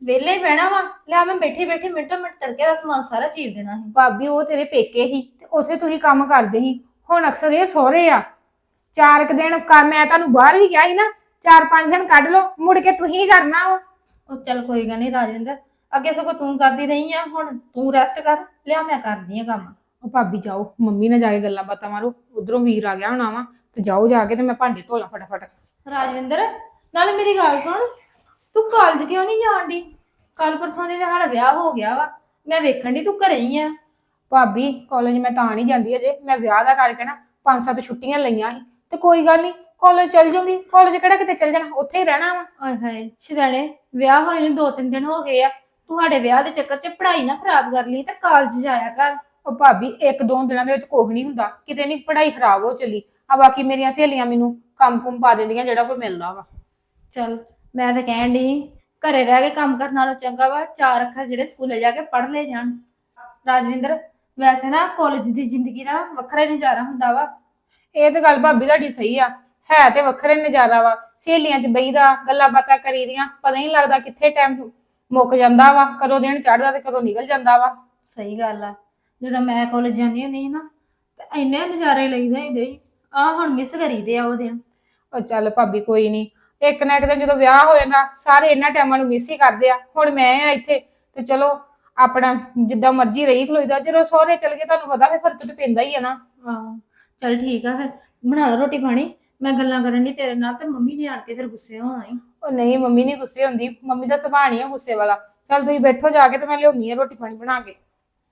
[SPEAKER 2] ਵਿਹਲੇ ਹੀ ਬਹਿਣਾ ਵਾ। ਲਿਆ ਮੈਂ ਬੈਠੀ ਬੈਠੀ ਮਿੰਟੋ ਮਿੰਟ ਤੜਕੇ ਦਾ ਸਮਾਨ ਸਾਰਾ ਚੀਰ ਦੇਣਾ ਸੀ।
[SPEAKER 6] ਭਾਬੀ ਉਹ ਤੇਰੇ ਪੇਕੇ ਸੀ ਤੇ ਉੱਥੇ ਤੁਸੀਂ ਕੰਮ ਕਰਦੇ ਸੀ। ਹੁਣ ਅਕਸਰ ਇਹ ਸਹੁਰੇ ਆ। 4 ਕੁ ਦਿਨ ਕੰਮ ਮੈਂ ਤੁਹਾਨੂੰ ਬਾਹਰ ਵੀ ਕਿਹਾ ਸੀ ਨਾ, 4-5 ਦਿਨ ਕੱਢ ਲਓ, ਮੁੜ ਕੇ ਤੁਸੀਂ ਕਰਨਾ ਵਾ।
[SPEAKER 2] ਉਹ ਚੱਲ ਕੋਈ ਗੱਲ ਨਹੀਂ ਰਾਜਵਿੰਦਰ, ਅੱਗੇ ਸਗੋਂ ਤੂੰ ਕਰਦੀ ਰਹੀ ਆ, ਹੁਣ ਤੂੰ ਰੈਸਟ ਕਰ। ਲਿਆ ਮੈਂ ਕਰਦੀ ਆ ਕੰਮ।
[SPEAKER 6] ਉਹ ਭਾਬੀ ਜਾਓ, ਮੰਮੀ ਨਾਲ ਜਾ ਕੇ ਗੱਲਾਂ ਬਾਤਾਂ ਮਾਰੋ। ਉਧਰੋਂ ਵੀਰ ਆ ਗਿਆ ਹੋਣਾ ਵਾ, ਤੇ ਜਾਓ ਜਾ ਕੇ ਤੇ ਮੈਂ ਭਾਂਡੇ ਧੋ ਲਾਂ ਫਟਾਫਟ।
[SPEAKER 2] ਰਾਜਵਿੰਦਰ ਨਾਲੇ ਮੇਰੀ ਗੱਲ ਸੁਣ, ਤੂੰ ਕਾਲਜ ਕਿਉਂ ਨਹੀਂ ਜਾਣਦੀ? ਕੱਲ ਪਰਸੋਂ ਦੇ ਸਾਡਾ ਵਿਆਹ ਹੋ ਗਿਆ ਵਾ, ਮੈਂ ਵੇਖਣ ਦੀ ਤੂੰ ਘਰੇ ਹੀ ਆ।
[SPEAKER 6] ਭਾਬੀ ਕਾਲਜ ਮੈਂ ਤਾਂ ਨਹੀਂ ਜਾਂਦੀ ਅਜੇ, ਮੈਂ ਵਿਆਹ ਦਾ ਕਰਕੇ ਨਾ 5-7 ਛੁੱਟੀਆਂ ਲਈਆਂ ਸੀ, ਤੇ ਕੋਈ ਗੱਲ ਨਹੀਂ ਕਾਲਜ ਚੱਲ ਜੂੰਗੀ। ਕਾਲਜ ਕਿਹੜਾ ਕਿਤੇ ਚੱਲ ਜਾਣਾ, ਉੱਥੇ ਹੀ ਰਹਿਣਾ ਵਾ।
[SPEAKER 2] ਆਏ ਹਾਏ ਸ਼ਿਦਾਣੇ, ਵਿਆਹ ਹੋਏ ਨੂੰ 2-3 ਦਿਨ ਹੋ ਗਏ ਆ। ਤੁਹਾਡੇ ਵਿਆਹ ਦੇ ਚੱਕਰ 'ਚ ਪੜ੍ਹਾਈ ਨਾ ਖਰਾਬ ਕਰ ਲਈ ਤੇ ਕਾਲਜ ਜਾਇਆ ਕਰ।
[SPEAKER 6] ਉਹ ਭਾਬੀ 1-2 ਦਿਨਾਂ ਦੇ ਵਿੱਚ ਕੁਝ ਨਹੀਂ ਹੁੰਦਾ, ਕਿਤੇ ਨਹੀਂ ਪੜ੍ਹਾਈ ਖਰਾਬ ਹੋ ਚੱਲੀ ਆ। ਬਾਕੀ ਮੇਰੀਆਂ ਸਹੇਲੀਆਂ ਮੈਨੂੰ ਕੰਮ-ਕੁਮ ਪਾ ਦਿੰਦੀਆਂ ਜਿਹੜਾ ਕੋਈ ਮਿਲਦਾ ਵਾ।
[SPEAKER 2] ਚੱਲ ਮੈਂ ਤਾਂ ਕਹਿਣ ਦੀ ਘਰੇ ਰਹਿ ਕੇ ਕੰਮ ਕਰਨ ਨਾਲੋਂ ਚੰਗਾ ਵਾ 4 ਅੱਖਰ ਜਿਹੜੇ ਸਕੂਲੇ ਜਾ ਕੇ ਪੜ੍ਹ ਲੈ ਜਾਣ। ਰਾਜਵਿੰਦਰ ਵੈਸੇ ਨਾ ਕਾਲਜ ਦੀ ਜ਼ਿੰਦਗੀ ਦਾ ਵੱਖਰਾ ਹੀ ਨਜ਼ਾਰਾ ਹੁੰਦਾ ਵਾ।
[SPEAKER 6] ਇਹ ਤੇ ਗੱਲ ਭਾਬੀ ਤੁਹਾਡੀ ਸਹੀ ਆ, ਹੈ ਤੇ ਵੱਖਰੇ ਨਜ਼ਾਰਾ ਵਾ। ਸਹੇਲੀਆਂ 'ਚ ਬਈਦਾ, ਗੱਲਾਂ ਬਾਤਾਂ ਕਰੀਦੀਆਂ, ਪਤਾ ਹੀ ਨਹੀਂ ਲੱਗਦਾ ਕਿੱਥੇ ਟਾਈਮ ਮੁੱਕ ਜਾਂਦਾ ਵਾ, ਕਦੋਂ ਦਿਨ ਚੜ੍ਹਦਾ ਤੇ ਕਦੋਂ ਨਿਕਲ ਜਾਂਦਾ ਵਾ।
[SPEAKER 2] ਸਹੀ ਗੱਲ ਆ, ਜਦੋਂ ਮੈਂ ਕਾਲਜ ਜਾਂਦੀ ਹੁੰਦੀ ਸੀ ਨਾ ਤੇ ਇੰਨੇ ਨਜ਼ਾਰੇ ਲਈਦੇ ਹੁੰਦੇ ਸੀ। ਆ ਹੁਣ ਮਿਸ ਕਰੀਦੇ ਆ ਉਹ ਦਿਨ।
[SPEAKER 6] ਉਹ ਚੱਲ ਭਾਬੀ ਕੋਈ ਨਹੀਂ, ਇੱਕ ਨਾ ਇੱਕ ਦਿਨ ਜਦੋਂ ਵਿਆਹ ਹੋ ਜਾਂਦਾ ਸਾਰੇ ਇਹਨਾਂ ਟਾਈਮਾਂ ਨੂੰ ਮਿਸ ਹੀ ਕਰਦੇ ਆ। ਹੁਣ ਮੈਂ ਆ ਇੱਥੇ ਤੇ ਚਲੋ ਆਪਣਾ ਜਿੱਦਾਂ ਮਰਜ਼ੀ ਰਹੀ ਖਲੋਈਦਾ। ਜਦੋਂ ਸਹੁਰੇ ਚਲ ਗਏ ਤੁਹਾਨੂੰ ਪਤਾ ਫਿਰ ਫਰਕ ਤੇ ਪੈਂਦਾ ਹੀ ਆ ਨਾ।
[SPEAKER 2] ਹਾਂ ਚੱਲ ਠੀਕ ਆ, ਫਿਰ ਬਣਾ ਲਓ ਰੋਟੀ ਪਾਣੀ। ਮੈਂ ਗੱਲਾਂ ਕਰਨ ਦੀ ਤੇਰੇ ਨਾਲ ਤੇ ਮੰਮੀ ਨੇ ਆਣ ਕੇ ਫਿਰ ਗੁੱਸੇ ਹੋਣਾ ਹੀ।
[SPEAKER 6] ਉਹ ਨਹੀਂ, ਮੰਮੀ ਨਹੀਂ ਗੁੱਸੇ ਹੁੰਦੀ, ਮੰਮੀ ਦਾ ਸੁਭਾਅ ਨਹੀਂ ਆ ਗੁੱਸੇ ਵਾਲਾ। ਚੱਲ ਤੁਸੀਂ ਬੈਠੋ ਜਾ ਕੇ ਤੇ ਮੈਂ ਲਿਆਉਣੀ ਆ ਰੋਟੀ ਪਾਣੀ ਬਣਾ ਕੇ।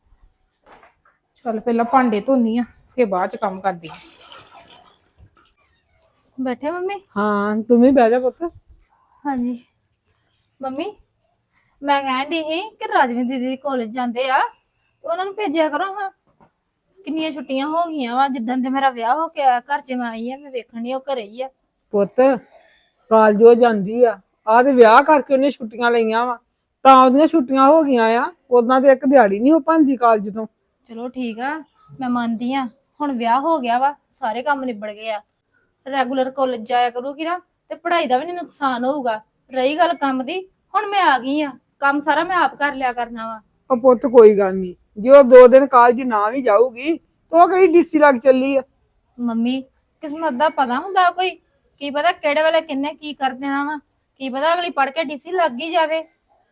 [SPEAKER 6] ਚੱਲ ਪਹਿਲਾਂ ਭਾਂਡੇ ਧੋਨੀ ਆ, ਫਿਰ ਬਾਅਦ ਚ ਕੰਮ ਕਰਦੀ ਆ।
[SPEAKER 2] ਬੈਠੇ ਮੰਮੀ?
[SPEAKER 3] ਹਾਂ ਤੂੰ ਵੀ ਬਹਿ ਜਾ ਪੁੱਤ।
[SPEAKER 2] ਹਾਂਜੀ ਮੰਮੀ, ਮੈਂ ਕਹਿਣ ਦੀ ਸੀ ਕਿ ਰਾਜਵਿੰਦਰ ਦੀਦੀ ਕਾਲਜ ਜਾਂਦੇ ਆ ਤੇ ਉਹਨਾਂ ਨੂੰ ਭੇਜਿਆ ਕਰੋ। ਹਾਂ ਕਿੰਨੀਆਂ ਛੁੱਟੀਆਂ ਹੋ ਗਈਆਂ ਵਾ, ਜਿੱਦਣ ਤੇ ਮੇਰਾ ਵਿਆਹ ਹੋ ਕੇ ਆਇਆ ਘਰ 'ਚ ਮੈਂ ਆਈ ਆ, ਮੈਂ ਵੇਖਣ ਦੀ ਉਹ ਘਰੇ ਹੀ ਆ।
[SPEAKER 3] ਪੁੱਤ ਕਾਲਜ ਉਹ ਜਾਂਦੀ ਆ, ਆਹ ਤੇ ਵਿਆਹ ਕਰਕੇ ਉਹਨੇ ਛੁੱਟੀਆਂ ਲਈਆਂ ਵਾ, ਤਾਂ ਉਹਦੀਆਂ ਛੁੱਟੀਆਂ ਹੋ ਗਈਆਂ ਆ। ਉਦਾਂ ਤੇ ਇੱਕ ਦਿਹਾੜੀ ਨਹੀਂ ਹੋ ਪਾਉਂਦੀ ਕਾਲਜ ਤੋਂ।
[SPEAKER 2] ਚਲੋ ਠੀਕ ਆ, ਮੈਂ ਮੰਨਦੀ ਆ, ਹੁਣ ਵਿਆਹ ਹੋ ਗਿਆ ਵਾ, ਸਾਰੇ ਕੰਮ ਨਿਬੜ ਗਏ ਆ। ਰੈਗੂਲਰ ਕਾਲਜ ਜਾਇਆ ਕਰੂਗੀ ਨਾ ਤੇ ਪੜ੍ਹਾਈ ਦਾ ਵੀ ਨਹੀਂ ਨੁਕਸਾਨ ਹੋਊਗਾ। ਰਹੀ ਗੱਲ ਕੰਮ ਦੀ, ਹੁਣ ਮੈਂ ਆ ਗਈ ਆ, ਕੰਮ ਸਾਰਾ ਮੈਂ ਆਪ ਕਰ ਲਿਆ ਕਰਨਾ ਵਾ।
[SPEAKER 3] ਉਹ ਪੁੱਤ ਕੋਈ ਗੱਲ ਨਹੀਂ, ਜੇ ਉਹ 2 ਦਿਨ ਕਾਲਜ ਨਾ ਵੀ ਜਾਊਗੀ ਤਾਂ ਉਹ ਕਿਹੜੀ ਡੀਸੀ ਲੱਗ ਚੱਲੀ ਆ।
[SPEAKER 2] ਮੰਮੀ ਕਿਸਮਤ ਦਾ ਪਤਾ ਹੁੰਦਾ ਕੋਈ, ਕੀ ਪਤਾ ਕਿਹੜੇ ਵੇਲੇ ਕਿੰਨੇ ਕੀ ਕਰ ਦੇਣਾ ਵਾ, ਕੀ ਪਤਾ ਅਗਲੀ ਪੜ ਕੇ ਡੀਸੀ ਲੱਗ ਹੀ ਜਾਵੇ।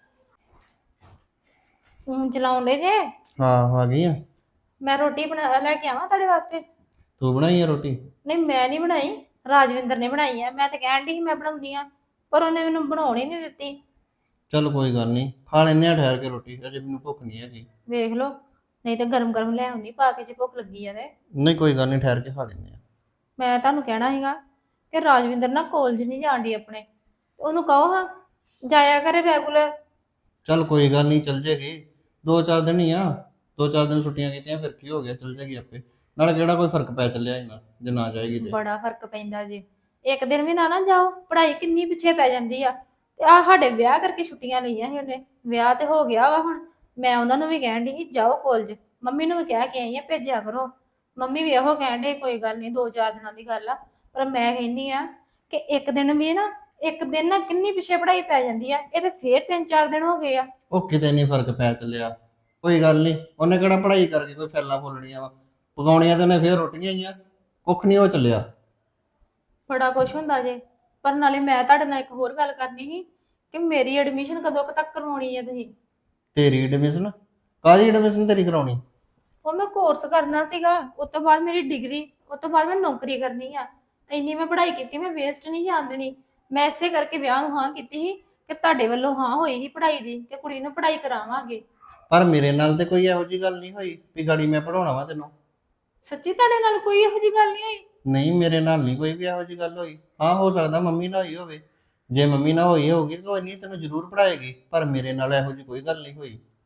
[SPEAKER 2] ਫੋਨ ਚਲਾਉਂਦੇ ਜੇ?
[SPEAKER 1] ਹਾਂ ਆ ਗਈ ਆ।
[SPEAKER 2] ਮੈਂ ਰੋਟੀ ਬਣਾ ਲੈ ਕੇ ਆਵਾਂ ਤੁਹਾਡੇ ਵਾਸਤੇ?
[SPEAKER 1] ਤੂੰ ਬਣਾਈ ਆ ਰੋਟੀ?
[SPEAKER 2] ਨਹੀਂ ਮੈਂ ਨਹੀਂ ਬਣਾਈ, ਰਾਜਵਿੰਦਰ ਨੇ ਬਣਾਈ ਆ। ਮੈਂ ਤਾਂ ਕਹਿਣ ਦੀ ਸੀ ਮੈਂ ਬਣਾਉਂਦੀ ਆ, ਪਰ ਉਹਨੇ ਮੈਨੂੰ ਬਣਾਉਣ ਹੀ ਨਹੀਂ ਦਿੱਤੀ।
[SPEAKER 1] ਚੱਲ ਕੋਈ ਗੱਲ ਨਹੀਂ, ਖਾ ਲੈਂਦੇ ਆ ਠਹਿਰ ਕੇ ਰੋਟੀ, ਅਜੇ ਮੈਨੂੰ ਭੁੱਖ ਨਹੀਂ ਹੈਗੀ।
[SPEAKER 2] ਵੇਖ ਲਓ, ਨਹੀਂ ਤਾਂ ਗਰਮ ਗਰਮ ਲੈ ਆਉਣੀ ਪਾ ਕੇ, ਜੇ ਭੁੱਖ ਲੱਗੀ ਆ ਤੇ।
[SPEAKER 1] ਨਹੀਂ ਕੋਈ ਗੱਲ ਨਹੀਂ, ਠਹਿਰ ਕੇ ਖਾ ਲੈਂਦੇ ਆ।
[SPEAKER 2] ਮੈਂ ਤੁਹਾਨੂੰ ਕਹਿਣਾ ਸੀਗਾ ਕਿ ਰਾਜਵਿੰਦਰ ਨਾ ਕਾਲਜ ਨਹੀਂ ਜਾਂਦੀ ਆਪਣੇ, ਉਹਨੂੰ ਕਹੋ ਹਾਂ ਜਾਇਆ ਕਰੇ ਰੈਗੂਲਰ।
[SPEAKER 1] ਚੱਲ ਕੋਈ ਗੱਲ ਨਹੀਂ, ਚੱਲ ਜੇਗੀ। 2-4 ਦਿਨ ਹੀ ਆ, 2-4 ਦਿਨ ਛੁੱਟੀਆਂ ਕੀਤੀਆਂ ਫਿਰ ਕੀ ਹੋ ਗਿਆ, ਚੱਲ ਜੇਗੀ ਆਪੇ। ਨਾਲੇ ਕਿਹੜਾ ਕੋਈ ਫਰਕ ਪੈ ਚੱਲਿਆ ਇਹਨਾਂ ਜੇ ਨਾ ਜਾਏਗੀ ਤੇ।
[SPEAKER 2] ਬੜਾ ਫਰਕ ਪੈਂਦਾ ਜੇ, ਇੱਕ ਦਿਨ ਵੀ ਨਾ ਜਾਓ ਪੜ੍ਹਾਈ ਕਿੰਨੀ ਪਿੱਛੇ ਪੈ ਜਾਂਦੀ ਆ। ਤੇ ਆ ਸਾਡੇ ਵਿਆਹ ਕਰਕੇ ਛੁੱਟੀਆਂ ਲਈਆਂ ਸੀ ਉਹਨੇ, ਵਿਆਹ ਤੇ ਹੋ ਗਿਆ ਵਾ ਹੁਣ। ਮੈਂ ਉਹਨਾਂ ਨੂੰ ਵੀ ਕਹਿਣ ਦੀ ਸੀ ਜਾਓ ਕਾਲਜ, ਮੰਮੀ ਨੂੰ ਵੀ ਕਹਿ ਕੇ ਆਈ ਆ ਭੇਜਿਆ ਕਰੋ। ਮੰਮੀ ਵੀ ਇਹੋ ਕਹਿਣ ਦੇ ਕੋਈ ਗੱਲ ਨਹੀਂ 2-4 ਦਿਨਾਂ ਦੀ ਗੱਲ ਆ, ਪਰ ਮੈਂ ਕਹਿੰਦੀ ਆ ਕਿ ਇੱਕ ਦਿਨ ਵੀ ਨਾ, ਇੱਕ ਦਿਨ ਨਾ ਕਿੰਨੀ ਪਿੱਛੇ ਪੜ੍ਹਾਈ ਪੈ ਜਾਂਦੀ ਆ। ਇਹ ਤੇ ਫੇਰ 3-4 ਦਿਨ ਹੋ ਗਏ ਆ।
[SPEAKER 1] ਉਹ ਕਿਤੇ ਨਹੀਂ ਫਰਕ ਪੈ ਚੱਲਿਆ, ਕੋਈ ਗੱਲ ਨਹੀਂ। ਉਹਨੇ ਕਿਹੜਾ ਪੜ੍ਹਾਈ ਕਰਕੇ ਕੋਈ ਫੈਲਾਂ ਫੁੱਲਣੀਆਂ ਵਾ, ਪਕਾਉਣੀਆਂ ਤੇ ਉਹਨੇ ਫੇਰ ਰੋਟੀਆਂ ਹੀ ਆ, ਕੁੱਖ ਨਹੀਂ ਹੋ ਚੱਲਿਆ।
[SPEAKER 2] ਬੜਾ ਕੁਛ ਹੁੰਦਾ ਜੇ। ਪਰ ਨਾਲੇ ਮੈਂ ਤੁਹਾਡੇ ਨਾਲ ਇੱਕ ਹੋਰ ਗੱਲ ਕਰਨੀ ਸੀ ਕਿ ਮੇਰੀ ਐਡਮਿਸ਼ਨ ਕਦੋਂ ਕੁ ਤੱਕ ਕਰਵਾਉਣੀ ਹੈ ਤੁਸੀਂ?
[SPEAKER 1] ਤੇਰੀ ਐਡਮਿਸ਼ਨ? ਕਾਹਦੀ ਐਡਮਿਸ਼ਨ ਤੇਰੀ ਕਰਾਉਣੀ?
[SPEAKER 2] ਉਹ ਮੈਂ ਕੋਰਸ ਕਰਨਾ ਸੀਗਾ, ਉਸ ਤੋਂ ਬਾਅਦ ਮੇਰੀ ਡਿਗਰੀ, ਉਸ ਤੋਂ ਬਾਅਦ ਮੈਂ ਨੌਕਰੀ ਕਰਨੀ ਆ। ਇੰਨੀ ਮੈਂ ਪੜ੍ਹਾਈ ਕੀਤੀ, ਮੈਂ ਵੇਸਟ ਨਹੀਂ ਜਾਣ ਦੇਣੀ। ਮੈਂ ਇਸੇ ਕਰਕੇ ਵਿਆਹ ਨੂੰ ਹਾਂ ਕੀਤੀ ਸੀ ਕਿ ਤੁਹਾਡੇ ਵੱਲੋਂ ਹਾਂ ਹੋਈ ਸੀ ਪੜ੍ਹਾਈ ਦੀ, ਕਿ ਕੁੜੀ ਨੂੰ ਪੜ੍ਹਾਈ ਕਰਾਵਾਂਗੇ।
[SPEAKER 1] ਪਰ ਮੇਰੇ ਨਾਲ ਤੇ ਕੋਈ ਇਹੋ ਜਿਹੀ ਗੱਲ ਨਹੀਂ ਹੋਈ ਵੀ ਗਾੜੀ ਮੈਂ ਪੜਾਉਣਾ ਵਾ ਤੈਨੂੰ।
[SPEAKER 2] ਸੱਚੀ ਤੁਹਾਡੇ ਨਾਲ ਕੋਈ ਇਹੋ ਜਿਹੀ ਗੱਲ ਨਹੀਂ ਹੋਈ?
[SPEAKER 1] ਨਹੀਂ ਮੇਰੇ ਨਾਲ ਨਹੀਂ ਕੋਈ ਵੀ ਇਹੋ ਜਿਹੀ ਗੱਲ ਹੋਈ। ਹਾਂ ਹੋ ਸਕਦਾ ਮੰਮੀ ਨਾਲ ਹੋਈ ਹੋਵੇ, ਜੇ ਮੰਮੀ ਨਾਲ ਹੋਈ ਹੋਊਗੀ ਤਾਂ ਕੋਈ ਨਹੀਂ ਤੈਨੂੰ ਜ਼ਰੂਰ ਪੜਾਏਗੀ, ਪਰ ਮੇਰੇ ਨਾਲ ਇਹੋ ਜਿਹੀ ਕੋਈ ਗੱਲ ਨਹੀਂ ਹੋਈ।